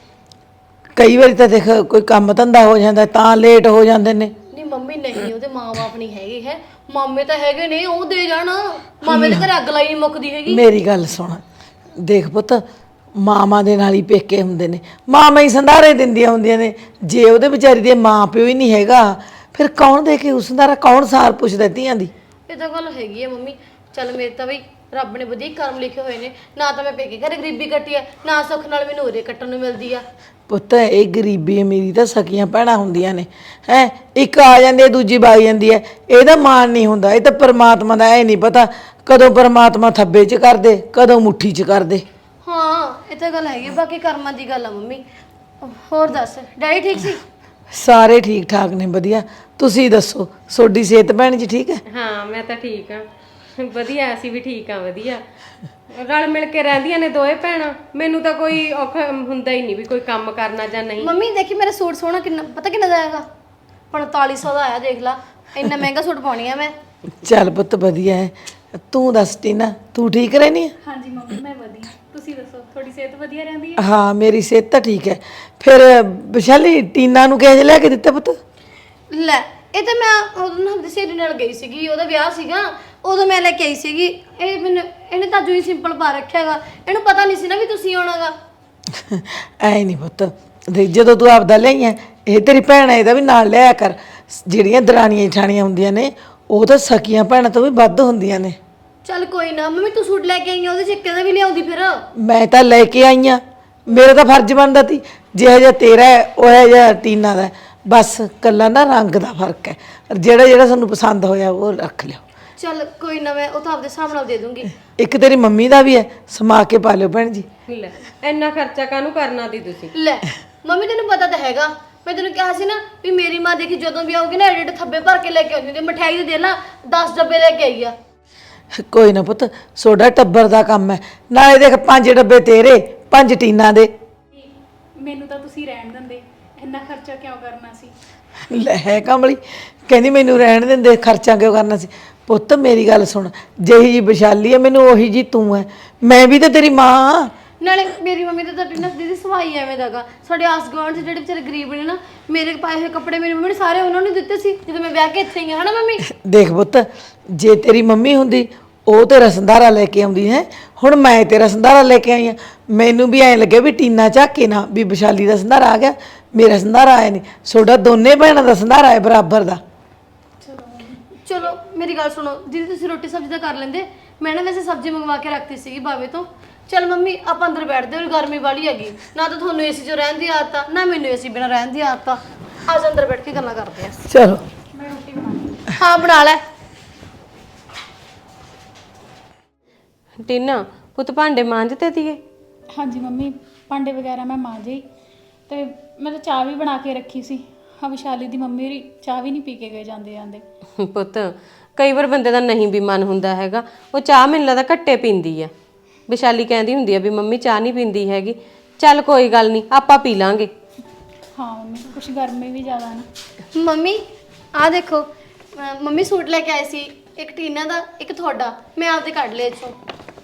[SPEAKER 6] ਕਈ ਵਾਰੀ ਤਾਂ ਦੇਖ ਕੋਈ ਕੰਮ ਧੰਦਾ ਹੋ ਜਾਂਦਾ ਤਾਂ ਲੇਟ ਹੋ ਜਾਂਦੇ ਨੇ।
[SPEAKER 2] ਨਹੀਂ ਮੰਮੀ ਨਹੀਂ, ਉਹਦੇ ਮਾਂ-ਬਾਪ ਨਹੀਂ ਹੈਗੇ ਹੈ, ਮਾਮੇ ਤਾਂ ਹੈਗੇ ਨੇ, ਉਹ ਦੇ ਜਾਣ। ਮਾਮੇ ਦੇ ਘਰੇ ਅੱਗ ਲਾਈ ਨਹੀਂ ਮੁੱਕਦੀ ਹੈਗੀ।
[SPEAKER 6] ਮੇਰੀ ਗੱਲ ਸੁਣ, ਦੇਖ ਪੁੱਤ ਮਾਵਾਂ ਦੇ ਨਾਲ ਹੀ ਪੇਕੇ ਹੁੰਦੇ ਨੇ, ਮਾਵਾਂ ਹੀ ਸੰਧਾਰੇ ਦਿੰਦੀਆਂ ਹੁੰਦੀਆਂ ਨੇ। ਜੇ ਉਹਦੇ ਵਿਚਾਰੀ ਦੇ ਮਾਂ ਪਿਓ ਹੀ ਨਹੀਂ ਹੈਗਾ, ਫਿਰ ਕੌਣ ਦੇ ਕੇ ਉਸ ਸੰਧਾਰਾ, ਕੌਣ ਸਾਰ ਪੁੱਛਦਾ ਧੀਆਂ ਦੀ?
[SPEAKER 2] ਇਹ ਤਾਂ ਗੱਲ ਹੈਗੀ ਹੈ ਮੰਮੀ। ਚੱਲ ਮੇਰੇ ਤਾਂ ਬਈ ਰੱਬ ਨੇ ਵਧੀਆ ਕਰਮ ਲਿਖੇ ਹੋਏ ਨੇ, ਨਾ ਤਾਂ ਮੈਂ ਪੇਕੇ ਘਰੇ ਗਰੀਬੀ ਕੱਟੀ ਹੈ, ਨਾ ਸੁੱਖ ਨਾਲ ਮੈਨੂੰ ਉਰੇ ਕੱਟਣ ਨੂੰ ਮਿਲਦੀ ਆ।
[SPEAKER 6] ਪੁੱਤ ਇਹ ਗਰੀਬੀ ਅਮੀਰੀ ਤਾਂ ਸਕੀਆਂ ਭੈਣਾਂ ਹੁੰਦੀਆਂ ਨੇ ਹੈ, ਇੱਕ ਆ ਜਾਂਦੀ ਹੈ ਦੂਜੀ ਵਗ ਜਾਂਦੀ ਹੈ। ਇਹਦਾ ਮਾਣ ਨਹੀਂ ਹੁੰਦਾ, ਇਹ ਤਾਂ ਪਰਮਾਤਮਾ ਦਾ। ਇਹ ਨਹੀਂ ਪਤਾ ਕਦੋਂ ਪਰਮਾਤਮਾ ਥੱਬੇ 'ਚ ਕਰ ਦੇ, ਕਦੋਂ ਮੁੱਠੀ 'ਚ ਕਰ ਦੇ।
[SPEAKER 2] ਹਾਂ ਇਹ ਤਾਂ ਗੱਲ ਹੈਗੀ, ਬਾਕੀ ਕਰਮਾਂ ਦੀ ਗੱਲ ਆ ਮੰਮੀ। ਹੋਰ ਦੱਸ, ਡੈਡੀ ਠੀਕ ਸੀ?
[SPEAKER 6] ਸਾਰੇ ਠੀਕ ਠਾਕ ਨੇ, ਵਧੀਆ। ਤੁਸੀਂ ਦੱਸੋ, ਤੁਹਾਡੀ ਸਿਹਤ ਭੈਣ ਜੀ ਠੀਕ ਹੈ?
[SPEAKER 1] ਹਾਂ ਮੈਂ ਤਾਂ ਠੀਕ ਆ, ਵਧੀਆ। ਅਸੀਂ ਵੀ ਠੀਕ ਆ, ਵਧੀਆ ਰਲ ਮਿਲ ਕੇ ਰਹਿੰਦੀਆਂ ਨੇ ਦੋਏ ਭੈਣਾਂ। ਮੈਨੂੰ ਤਾਂ ਕੋਈ ਔਖਾ ਹੁੰਦਾ ਹੀ ਨਹੀਂ ਵੀ ਕੋਈ ਕੰਮ ਕਰਨਾ ਜਾਂ ਨਹੀਂ।
[SPEAKER 2] ਮੰਮੀ ਦੇਖੀ ਮੇਰਾ ਸੂਟ ਸੋਹਣਾ ਕਿੰਨਾ, ਪਤਾ ਕਿੰਨਾ ਦਾ ਆਏਗਾ? ਪੰਤਾਲੀ ਸੌ ਦਾ ਆਇਆ, ਦੇਖ ਲਾ। ਇੰਨਾ ਮਹਿੰਗਾ ਸੂਟ ਪਾਉਣੀ ਆ ਮੈਂ।
[SPEAKER 6] ਚੱਲ ਪੁੱਤ ਵਧੀਆ ਹੈ। ਤੂੰ ਦੱਸ ਟੀਨਾ, ਤੂੰ ਠੀਕ ਰਹਿਨੀ ਹੈ?
[SPEAKER 3] ਹਾਂਜੀ ਮੰਮੀ ਮੈਂ ਵਧੀਆ, ਤੁਸੀਂ ਦੱਸੋ ਤੁਹਾਡੀ ਸਿਹਤ ਵਧੀਆ ਰਹਿੰਦੀ ਹੈ?
[SPEAKER 6] ਹਾਂ ਮੇਰੀ ਸਿਹਤ ਤਾਂ ਠੀਕ ਹੈ। ਫਿਰ ਵਿਸ਼ਾਲੀ ਟੀਨਾ ਨੂੰ ਕਿਹੋ ਜਿਹਾ ਲਿਆ ਕੇ ਦਿੱਤਾ ਪੁੱਤ?
[SPEAKER 2] ਲੈ ਇਹ ਤਾਂ ਮੈਂ ਉਦੋਂ ਨਾ ਆਪਣੀ ਸਹੇਲੀ ਨਾਲ ਗਈ ਸੀਗੀ, ਉਹਦਾ ਵਿਆਹ ਸੀਗਾ, ਉਦੋਂ ਮੈਂ ਲੈ ਕੇ ਆਈ ਸੀਗੀ। ਇਹ ਮੈਨੂੰ ਇਹਨੇ ਤਾਂ ਜੂਈ ਸਿੰਪਲ ਪਾ ਰੱਖਿਆਗਾ, ਇਹਨੂੰ ਪਤਾ ਨਹੀਂ ਸੀ ਨਾ ਵੀ ਤੁਸੀਂ ਆਉਣਾਗਾ।
[SPEAKER 6] ਐ ਨਹੀਂ ਪੁੱਤ, ਦੇਖ ਜਦੋਂ ਤੂੰ ਆਪਦਾ ਲਿਆਈ ਹੈ, ਇਹ ਤੇਰੀ ਭੈਣ ਹੈ, ਇਹਦਾ ਵੀ ਨਾਲ ਲਿਆਇਆ ਕਰ। ਜਿਹੜੀਆਂ ਦਰਾਣੀਆਂ ਜਠਾਣੀਆਂ ਹੁੰਦੀਆਂ ਨੇ, ਉਹ ਤਾਂ ਸਕੀਆਂ ਭੈਣਾਂ ਤੋਂ ਵੀ ਵੱਧ ਹੁੰਦੀਆਂ ਨੇ।
[SPEAKER 2] ਚੱਲ ਕੋਈ ਨਾ ਮੰਮੀ, ਤੂੰ ਸੂਟ ਲੈ ਕੇ ਆਈ ਆ, ਉਹਦੇ ਚੱਕੇ ਦਾ ਵੀ ਲਿਆਉਂਦੀ ਫਿਰ।
[SPEAKER 6] ਮੈਂ ਤਾਂ ਲੈ ਕੇ ਆਈ ਆ, ਮੇਰਾ ਤਾਂ ਫਰਜ਼ ਬਣਦਾ ਸੀ। ਜਿਹੋ ਜਿਹਾ ਤੇਰਾ ਹੈ ਉਹ ਜਿਹਾ ਟੀਨਾ ਦਾ, ਬਸ ਕੱਲਾ ਨਾ ਰੰਗ ਦਾ ਫਰਕ ਹੈ। ਜਿਹੜਾ ਜਿਹੜਾ ਤੁਹਾਨੂੰ ਪਸੰਦ ਹੋਇਆ ਉਹ ਰੱਖ ਲਿਓ।
[SPEAKER 2] ਚੱਲ ਕੋਈ ਨਾ, ਮੈਂ ਉਹ ਤਾਂ ਆਪਦੇ ਹਿਸਾਬ ਨਾਲ ਦੇ ਦੂੰਗੀ।
[SPEAKER 6] ਇੱਕ ਤੇਰੀ ਮੰਮੀ ਦਾ ਵੀ ਹੈ, ਸਮਾ ਕੇ ਪਾ ਲਿਓ ਭੈਣ ਜੀ।
[SPEAKER 1] ਲੈ ਇੰਨਾ ਖਰਚਾ ਕਾਹਨੂੰ ਕਰਨਾ ਤੀ ਤੁਸੀਂ?
[SPEAKER 2] ਲੈ ਮੰਮੀ ਤੈਨੂੰ ਪਤਾ ਤਾਂ ਹੈਗਾ, ਮੈਂ ਤੈਨੂੰ ਕਿਹਾ ਸੀ ਨਾ ਵੀ ਮੇਰੀ ਮਾਂ ਦੇਖੀ ਜਦੋਂ ਵੀ ਆਊਗੀ ਨਾ ਐਡੇ ਐਡੇ ਥੱਬੇ ਭਰ ਕੇ ਲੈ ਕੇ ਆਉਂਦੀ ਹੁੰਦੀ ਆ। ਮਠਿਆਈ ਦੇ ਦੇ ਲਾ ਦਸ ਡੱਬੇ ਲੈ ਕੇ ਆਈ ਆ।
[SPEAKER 6] ਕੋਈ ਨਾ ਪੁੱਤ, ਸੋਡਾ ਟੱਬਰ ਦਾ ਕੰਮ ਹੈ। ਨਾਲੇ ਦੇਖ ਪੰਜ ਡੱਬੇ ਤੇਰੇ, ਪੰਜ ਟੀਨਾ ਦੇ।
[SPEAKER 3] ਮੈਨੂੰ ਤਾਂ ਤੁਸੀਂ ਰਹਿਣ ਦਿੰਦੇ, ਇੰਨਾ ਖਰਚਾ ਕਿਉਂ ਕਰਨਾ ਸੀ?
[SPEAKER 6] ਲੈ ਹੈ ਕਮਲੀ, ਕਹਿੰਦੀ ਮੈਨੂੰ ਰਹਿਣ ਦਿੰਦੇ, ਖਰਚਾ ਕਿਉਂ ਕਰਨਾ ਸੀ। ਪੁੱਤ ਮੇਰੀ ਗੱਲ ਸੁਣ, ਜਿਹੀ ਜੀ ਵਿਸ਼ਾਲੀ ਹੈ ਮੈਨੂੰ ਉਹੀ ਜੀ ਤੂੰ ਹੈ। ਮੈਂ ਵੀ ਤਾਂ ਤੇਰੀ ਮਾਂ।
[SPEAKER 2] ਨਾਲੇ ਮੇਰੀ ਮੰਮੀ ਤਾਂ ਤੁਹਾਡੀ ਨਾ ਦੀਦੀ ਸਵਾਈ ਐਵੇਂ ਦਾਗਾ। ਸਾਡੇ ਆਸ ਗੁਆਂਢ 'ਚ ਜਿਹੜੇ ਵਿਚਾਰੇ ਗਰੀਬ ਨੇ ਨਾ, ਮੇਰੇ ਪਾਏ ਹੋਏ ਕੱਪੜੇ ਮੇਰੀ ਮੰਮੀ ਨੇ ਸਾਰੇ ਉਹਨਾਂ ਨੂੰ ਦਿੱਤੇ ਸੀ ਜਦੋਂ ਮੈਂ ਵਿਆਹ ਕੇ ਇੱਥੇ ਆਈ ਹਾਂ, ਹਨਾ ਮੰਮੀ?
[SPEAKER 6] ਦੇਖ ਪੁੱਤ, ਜੇ ਤੇਰੀ ਮੰਮੀ ਹੁੰਦੀ ਉਹ ਤੇਰਾ ਸੰਧਾਰਾ ਲੈ ਕੇ ਆਉਂਦੀ ਹੈ। ਹੁਣ ਮੈਂ ਤੇਰਾ ਸੰਧਾਰਾ ਲੈ ਕੇ ਆਈ ਹਾਂ। ਮੈਨੂੰ ਵੀ ਐਂ ਲੱਗੇ ਵੀ ਟੀਨਾ ਝਾਕੇ ਨਾ ਵੀ ਵਿਸ਼ਾਲੀ ਦਾ ਸੰਧਾਰਾ ਆ ਗਿਆ, ਮੇਰਾ ਸੰਧਾਰਾ ਆਇਆ ਨਹੀਂ। ਤੁਹਾਡਾ ਦੋਨੇ ਭੈਣਾਂ ਦਾ ਸੰਧਾਰਾ ਹੈ ਬਰਾਬਰ ਦਾ।
[SPEAKER 2] ਚਲੋ ਮੇਰੀ ਗੱਲ ਸੁਣੋ ਦੀਦੀ, ਤੁਸੀਂ ਰੋਟੀ ਸਬਜ਼ੀ ਤਾਂ ਕਰ ਲੈਂਦੇ। ਮੈਂ ਨਾ ਵੈਸੇ ਸਬਜ਼ੀ ਮੰਗਵਾ ਕੇ ਰੱਖਤੀ ਸੀਗੀ ਬਾਵੇ ਤੋਂ। ਚਲ ਮੰਮੀ ਆਪਾਂ ਅੰਦਰ ਬੈਠਦੇ ਹਾਂ, ਗਰਮੀ ਵਾਲੀ ਹੈਗੀ ਨਾ, ਤਾਂ ਤੁਹਾਨੂੰ ਏਸੀ 'ਚ ਰਹਿਣ ਦੀ ਆਦਤ ਆ ਨਾ ਮੈਨੂੰ ਏਸੀ ਬਿਨਾਂ ਰਹਿਣ ਦੀ ਆਦਤ ਆ। ਅੱਜ ਅੰਦਰ ਬੈਠ ਕੇ ਗੱਲਾਂ ਕਰਦੇ ਆ।
[SPEAKER 6] ਚਲੋ
[SPEAKER 3] ਮੈਂ ਰੋਟੀ ਬਣਾ
[SPEAKER 2] ਹਾਂ ਬਣਾ ਲੈ।
[SPEAKER 1] ਟੀਨਾ ਪੁੱਤ ਭਾਂਡੇ ਮਾਂਜਤੇ ਤੀਏ?
[SPEAKER 3] ਹਾਂਜੀ ਮੰਮੀ, ਭਾਂਡੇ ਵਗੈਰਾ ਮੈਂ ਮਾਂਜੇ ਤੇ ਮੈਂ ਤਾਂ ਚਾਹ ਵੀ ਬਣਾ ਕੇ ਰੱਖੀ ਸੀ। ਹਾਂ, ਵਿਸ਼ਾਲੀ ਦੀ ਮੰਮੀ ਹੋਰੀ ਚਾਹ ਵੀ ਨਹੀਂ ਪੀ ਕੇ ਗਏ ਜਾਂਦੇ ਜਾਂਦੇ।
[SPEAKER 1] ਪੁੱਤ ਕਈ ਵਾਰ ਬੰਦੇ ਦਾ ਨਹੀਂ ਵੀ ਮਨ ਹੁੰਦਾ ਹੈਗਾ, ਉਹ ਚਾਹ ਮੈਨੂੰ ਲੱਗਦਾ ਘੱਟੇ ਪੀਂਦੀ ਆ। ਵਿਸ਼ਾਲੀ ਕਹਿੰਦੀ ਹੁੰਦੀ ਆ ਵੀ ਮੰਮੀ ਚਾਹ ਨਹੀਂ ਪੀਂਦੀ ਹੈਗੀ। ਚੱਲ ਕੋਈ ਗੱਲ ਨਹੀਂ, ਆਪਾਂ ਪੀ ਲਾਂਗੇ।
[SPEAKER 3] ਹਾਂ ਮੰਮੀ, ਕੁਛ ਗਰਮੀ ਵੀ ਜ਼ਿਆਦਾ ਨਾ।
[SPEAKER 2] ਮੰਮੀ ਆਹ ਦੇਖੋ, ਅਹ ਮੰਮੀ ਸੂਟ ਲੈ ਕੇ ਆਏ ਸੀ, ਇੱਕ ਟੀਨਾ ਦਾ ਇੱਕ ਤੁਹਾਡਾ। ਮੈਂ ਆਪਦੇ ਕੱਢ ਲਏ ਇੱਥੋਂ।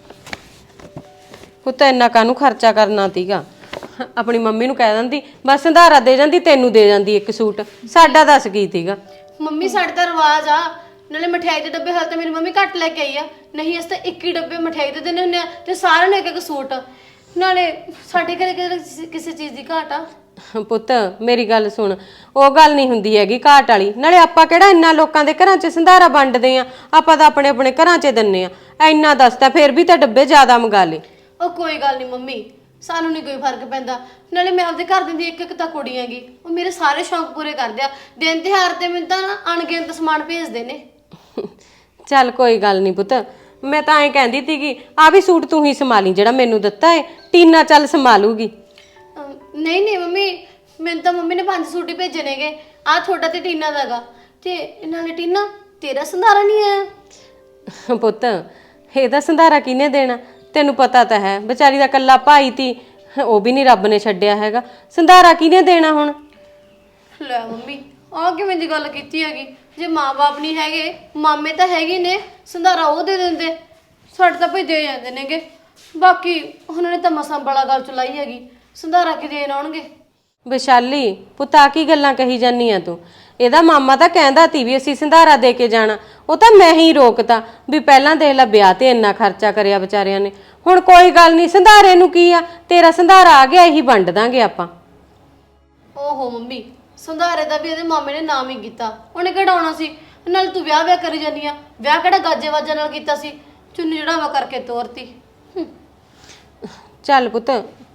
[SPEAKER 1] ਪੁੱਤ ਇੰਨਾ ਕਾਹਨੂੰ ਖਰਚਾ ਕਰਨਾ ਤੀਗਾ? ਆਪਣੀ ਮੰਮੀ ਨੂੰ ਕਹਿ ਦਿੰਦੀ, ਬਸ ਸੰਧਾਰਾ ਦੇ ਜਾਂਦੀ, ਤੈਨੂੰ ਦੇ ਜਾਂਦੀ ਇੱਕ ਸੂਟ। ਸਾਡਾ ਦੱਸ ਕੀ ਤੀਗਾ?
[SPEAKER 2] ਮੰਮੀ ਸਾਡੇ ਤਾਂ ਰਿਵਾਜ ਆ। ਨਾਲੇ ਮਠਿਆਈ ਦੇ ਡੱਬੇ ਹਾਲ ਤਾਂ ਮੇਰੀ ਮੰਮੀ ਘੱਟ ਲੈ ਕੇ ਆਈ ਆ, ਨਹੀਂ ਅਸੀਂ ਤਾਂ ਇੱਕ ਹੀ ਡੱਬੇ ਮਠਿਆਈ ਦੇ ਦਿੰਦੇ ਹੁੰਦੇ ਆ ਤੇ ਸਾਰਿਆਂ ਨੂੰ ਇੱਕ ਇੱਕ ਸੂਟ। ਨਾਲੇ ਸਾਡੇ ਘਰੇ ਕਿਸੇ ਕਿਸੇ ਚੀਜ਼ ਦੀ ਘਾਟ ਆ?
[SPEAKER 1] ਪੁੱਤ ਮੇਰੀ ਗੱਲ ਸੁਣ, ਉਹ ਗੱਲ ਨਹੀਂ ਹੁੰਦੀ ਹੈਗੀ ਘਾਟ ਵਾਲੀ। ਨਾਲੇ ਆਪਾਂ ਕਿਹੜਾ ਇੰਨਾ ਲੋਕਾਂ ਦੇ ਘਰਾਂ 'ਚ ਸੰਧਾਰਾ ਵੰਡਦੇ ਆ, ਆਪਾਂ ਤਾਂ ਆਪਣੇ ਆਪਣੇ ਘਰਾਂ 'ਚ ਦਿੰਨੇ ਆ। ਇੰਨਾ ਦੱਸਦਾ ਫਿਰ ਵੀ ਤਾਂ ਡੱਬੇ ਜ਼ਿਆਦਾ ਮੰਗਾ ਲੇ।
[SPEAKER 2] ਉਹ ਕੋਈ ਗੱਲ ਨਹੀਂ ਮੰਮੀ, ਸਾਨੂੰ ਨਹੀਂ ਕੋਈ ਫਰਕ ਪੈਂਦਾ। ਨਾਲੇ ਮੈਂ ਆਪਦੇ ਘਰ ਦੀ ਇੱਕ ਇੱਕ ਤਾਂ ਕੁੜੀ ਹੈਗੀ, ਉਹ ਮੇਰੇ ਸਾਰੇ ਸ਼ੌਂਕ ਪੂਰੇ ਕਰਦੇ ਆ। ਦਿਨ ਤਿਉਹਾਰ ਤੇ ਮੈਨੂੰ ਤਾਂ ਨਾ ਅਣਗਿਣਤ ਸਮਾਨ ਭੇਜਦੇ ਨੇ।
[SPEAKER 1] ਚੱਲ ਕੋਈ ਗੱਲ ਨਹੀਂ ਪੁੱਤ, ਮੈਂ ਤਾਂ ਐਂ ਕਹਿੰਦੀ ਸੀਗੀ ਆ ਵੀ ਸੂਟ ਤੂੰ ਹੀ ਸੰਭਾਲੀ ਜਿਹੜਾ ਮੈਨੂੰ ਦਿੱਤਾ ਏ। ਟੀਨਾ ਚੱਲ ਸੰਭਾਲੂਗੀ।
[SPEAKER 2] ਅਮ, ਨਹੀਂ ਨਹੀਂ ਮੰਮੀ, ਮੈਨੂੰ ਤਾਂ ਮੰਮੀ ਨੇ ਪੰਜ ਸੂਟ ਹੀ ਭੇਜੇ ਨੇਗੇ। ਆਹ ਤੁਹਾਡਾ ਤੇ ਟੀਨਾ ਦਾਗਾ। ਤੇ ਨਾਲੇ ਟੀਨਾ ਤੇਰਾ ਸੰਧਾਰਾ ਨਹੀਂ ਆਇਆ?
[SPEAKER 1] ਪੁੱਤ ਇਹਦਾ ਸੰਧਾਰਾ ਕਿਹਨੇ ਦੇਣਾ? ਤੈਨੂੰ ਪਤਾ ਤਾਂ ਹੈ, ਵਿਚਾਰੀ ਦਾ ਕੱਲਾ ਭਾਈ ਤੀ, ਉਹ ਵੀ ਨਹੀਂ ਰੱਬ ਨੇ ਛੱਡਿਆ ਹੈਗਾ। ਸੰਧਾਰਾ ਕਿਹਨੇ ਦੇਣਾ ਹੁਣ?
[SPEAKER 2] ਲੈ ਮੰਮੀ ਆਹ ਕਿਵੇਂ ਦੀ ਗੱਲ ਕੀਤੀ ਹੈਗੀ? ਜੇ ਮਾਂ-ਬਾਪ ਨਹੀਂ ਹੈਗੇ, ਮਾਮੇ ਤਾਂ ਹੈਗੇ ਨੇ, ਸੰਧਾਰਾ ਉਹ ਦੇ ਦਿੰਦੇ। ਸਾਡੇ ਤਾਂ ਭਈ ਦੇ ਜਾਂਦੇ ਨੇਗੇ। ਬਾਕੀ ਉਹਨਾਂ ਨੇ ਤਾਂ ਮਸਾਂ ਬੜਾ ਗੱਲ ਚਲਾਈ ਹੈਗੀ, ਸੰਧਾਰਾ ਕਿ ਦੇਣ ਆਉਣਗੇ?
[SPEAKER 1] ਵਿਸ਼ਾਲੀ ਪੁੱਤ ਆ ਕੀ ਗੱਲਾਂ ਕਹੀ ਜਾਨੀ ਆ ਤੂੰ? ਇਹਦਾ ਮਾਮਾ ਤਾਂ ਕਹਿੰਦਾ ਤੀ ਵੀ ਅਸੀਂ ਸੰਧਾਰਾ ਦੇ ਕੇ ਜਾਣਾ, ਉਹ ਤਾਂ ਮੈਂ ਹੀ ਰੋਕਤਾ ਵੀ ਪਹਿਲਾਂ ਦੇਖ ਲੈ ਵਿਆਹ ਤੇ ਇੰਨਾ ਖਰਚਾ ਕਰਿਆ ਵਿਚਾਰਿਆਂ ਨੇ। ਹੁਣ ਕੋਈ ਗੱਲ ਨਹੀਂ, ਸੰਧਾਰੇ ਨੂੰ ਕੀ ਆ, ਤੇਰਾ ਸੰਧਾਰਾ ਆ ਗਿਆ, ਇਹੀ ਵੰਡ ਦਾਂਗੇ ਆਪਾਂ।
[SPEAKER 2] ਓਹੋ ਮੰਮੀ, ਸੰਧਾਰੇ ਦਾ ਵੀ ਇਹਦੇ ਮਾਮੇ ਨੇ ਨਾਮ ਹੀ ਕੀਤਾ, ਉਹਨੇ ਕਢਾਉਣਾ ਸੀ। ਨਾਲ ਤੂੰ ਵਿਆਹ ਵਿਆਹ ਕਰੀ ਜਾਨੀ ਆ, ਵਿਆਹ ਕਿਹੜਾ ਗਾਜੇ ਵਾਜਾਂ ਨਾਲ ਕੀਤਾ ਸੀ? ਚੁੰਨੀ ਜੜਾਵਾ ਕਰਕੇ ਤੋਰਤੀ। ਹੂੰ।
[SPEAKER 1] ਚੱਲ ਪੁੱਤ,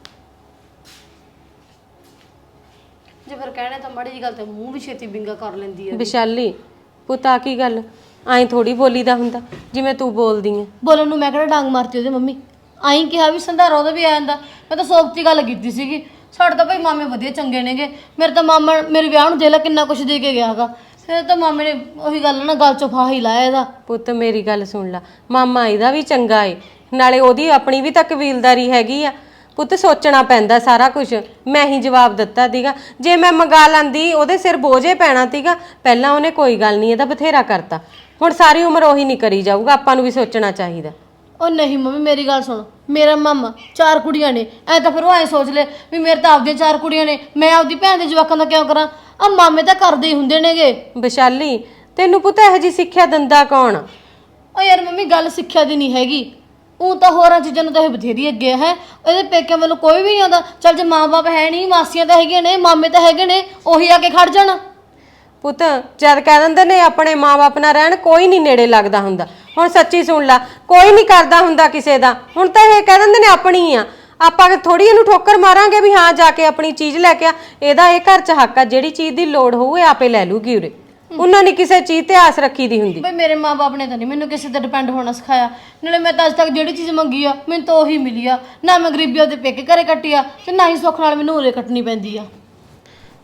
[SPEAKER 2] ਜੇ ਫਿਰ ਕਹਿਣਾ ਤਾਂ ਮਾੜੀ ਜੀ ਗੱਲ ਤੇ ਮੂੰਹ ਵੀ ਛੇਤੀ ਬਿੰਗਾ ਕਰ ਲੈਂਦੀ ਹੈ।
[SPEAKER 1] ਵਿਸ਼ਾਲੀ ਪੁੱਤ ਆ ਕੀ ਗੱਲ? ਐਂ ਥੋੜੀ ਬੋਲੀਦਾ ਹੁੰਦਾ ਜਿਵੇਂ ਤੂੰ ਬੋਲਦੀ ਐ।
[SPEAKER 2] ਬੋਲਣ ਨੂੰ ਮੈਂ ਕਿਹੜਾ ਡਾਂਗ ਮਾਰਤੀ ਉਹਦੇ ਮੰਮੀ? ਆਈ ਕਿਹਾ ਵੀ ਸੰਧਾਰਾ ਉਹਦਾ ਵੀ ਆ ਜਾਂਦਾ। ਮੈਂ ਤਾਂ ਸੋਚਤੀ ਗੱਲ ਕੀਤੀ ਸੀਗੀ। ਸਾਡੇ ਤਾਂ ਭਾਈ ਮਾਮੇ ਵਧੀਆ ਚੰਗੇ ਨੇਗੇ। ਮੇਰੇ ਤਾਂ ਮਾਮਾ ਮੇਰੇ ਵਿਆਹ ਨੂੰ ਦੇਲਾ ਕਿੰਨਾ ਕੁਛ ਦੇ ਕੇ ਗਿਆ ਹੈਗਾ। ਫਿਰ ਤਾਂ ਮਾਮੇ ਨੇ ਉਹੀ ਗੱਲ ਨਾ ਗੱਲ ਚੋਂ ਫਾਹ ਹੀ ਲਾਇਆ ਇਹਦਾ।
[SPEAKER 1] ਪੁੱਤ ਮੇਰੀ ਗੱਲ ਸੁਣ ਲੈ, ਮਾਮਾ ਇਹਦਾ ਵੀ ਚੰਗਾ ਏ, ਨਾਲੇ ਉਹਦੀ ਆਪਣੀ ਵੀ ਤਾਂ ਕਬੀਲਦਾਰੀ ਹੈਗੀ ਆ। ਪੁੱਤ ਸੋਚਣਾ ਪੈਂਦਾ ਸਾਰਾ ਕੁਝ। ਮੈਂ ਹੀ ਜਵਾਬ ਦਿੱਤਾ ਸੀਗਾ, ਜੇ ਮੈਂ ਮੰਗਾ ਲੈਂਦੀ ਉਹਦੇ ਸਿਰ ਬੋਝੇ ਪੈਣਾ ਸੀਗਾ। ਪਹਿਲਾਂ ਉਹਨੇ ਕੋਈ ਗੱਲ ਨਹੀਂ ਇਹਦਾ ਬਥੇਰਾ ਕਰਤਾ, ਹੁਣ ਸਾਰੀ ਉਮਰ ਉਹੀ ਨਹੀਂ ਕਰੀ ਜਾਊਗਾ। ਆਪਾਂ ਨੂੰ ਵੀ ਸੋਚਣਾ ਚਾਹੀਦਾ।
[SPEAKER 2] ਉਹ ਨਹੀਂ ਮੰਮੀ ਮੇਰੀ ਗੱਲ ਸੁਣ, ਮੇਰਾ ਮਾਮਾ ਚਾਰ ਕੁੜੀਆਂ ਨੇ, ਐ ਤਾਂ ਫਿਰ ਉਹ ਐ ਸੋਚ ਲੈ ਵੀ ਮੇਰੇ ਤਾਂ ਆਪਦੀਆਂ ਚਾਰ ਕੁੜੀਆਂ ਨੇ, ਮੈਂ ਆਪਦੀ ਭੈਣ ਦੇ ਜਵਾਕਾਂ ਦਾ ਕਿਉਂ ਕਰਾਂ? ਆ ਮਾਮੇ ਤਾਂ ਕਰਦੇ ਹੀ ਹੁੰਦੇ ਨੇਗੇ।
[SPEAKER 1] ਵਿਸ਼ਾਲੀ ਤੈਨੂੰ ਪੁੱਤ ਇਹੋ ਜਿਹੀ ਸਿੱਖਿਆ ਦਿੰਦਾ ਕੌਣ?
[SPEAKER 2] ਓ ਯਾਰ ਮੰਮੀ ਗੱਲ ਸਿੱਖਿਆ ਦੀ ਨਹੀਂ ਹੈਗੀ, ਉਹ ਤਾਂ ਹੋਰਾਂ ਚੀਜ਼ਾਂ ਨੂੰ ਤਾਂ ਇਹ ਬਥੇਰੀ ਅੱਗੇ ਹੈ। ਇਹਦੇ ਪੇਕਿਆਂ ਵੱਲੋਂ ਕੋਈ ਵੀ ਨਹੀਂ ਆਉਂਦਾ। ਚੱਲ ਜੇ ਮਾਂ-ਬਾਪ ਹੈ ਨਹੀਂ, ਮਾਸੀਆਂ ਤਾਂ ਹੈਗੀਆਂ ਨੇ, ਮਾਮੇ ਤਾਂ ਹੈਗੇ ਨੇ, ਉਹੀ ਆ ਕੇ ਖੜ ਜਾਣ।
[SPEAKER 1] ਪੁੱਤ ਜਦ ਕਹਿ ਦਿੰਦੇ ਨੇ ਆਪਣੇ ਮਾਂ-ਬਾਪ ਨਾਲ ਰਹਿਣ, ਕੋਈ ਨਹੀਂ ਨੇੜੇ ਲੱਗਦਾ ਹੁੰਦਾ। ਹੁਣ ਸੱਚੀ ਸੁਣ ਲੈ, ਕੋਈ ਨਹੀਂ ਕਰਦਾ ਹੁੰਦਾ ਕਿਸੇ ਦਾ। ਹੁਣ ਤਾਂ ਇਹ ਕਹਿ ਦਿੰਦੇ ਨੇ ਆਪਣੀ ਆ, ਆਪਾਂ ਥੋੜੀ ਇਹਨੂੰ ਠੋਕਰ ਮਾਰਾਂਗੇ ਵੀ ਹਾਂ ਜਾ ਕੇ ਆਪਣੀ ਚੀਜ਼ ਲੈ ਕੇ ਆ। ਇਹਦਾ ਇਹ ਘਰ 'ਚ ਹੱਕ ਆ, ਜਿਹੜੀ ਚੀਜ਼ ਦੀ ਲੋੜ ਹੋਊ ਇਹ ਆਪੇ ਲੈ ਲੂਗੀ ਉਰੇ। ਉਹਨਾਂ ਨੇ ਕਿਸੇ ਚੀਜ਼ ਤੇ ਆਸ ਰੱਖੀ ਦੀ ਹੁੰਦੀ।
[SPEAKER 2] ਬਈ ਮੇਰੇ ਮਾਂ-ਬਾਪ ਨੇ ਤਾਂ ਨਹੀਂ ਮੈਨੂੰ ਕਿਸੇ ਤੇ ਡਿਪੈਂਡ ਹੋਣਾ ਸਿਖਾਇਆ। ਨਾਲੇ ਮੈਂ ਤਾਂ ਅੱਜ ਤੱਕ ਜਿਹੜੀ ਚੀਜ਼ ਮੰਗੀ ਆ ਮੈਨੂੰ ਤਾਂ ਉਹੀ ਮਿਲੀ ਆ। ਨਾ ਮੈਂ ਗਰੀਬੀ ਉਹਦੇ ਪੇਕੇ ਘਰੇ ਕੱਟੀ ਆ ਤੇ ਨਾ ਹੀ ਸੁੱਖ ਨਾਲ ਮੈਨੂੰ ਉਰੇ ਕੱਟਣੀ ਪੈਂਦੀ ਆ।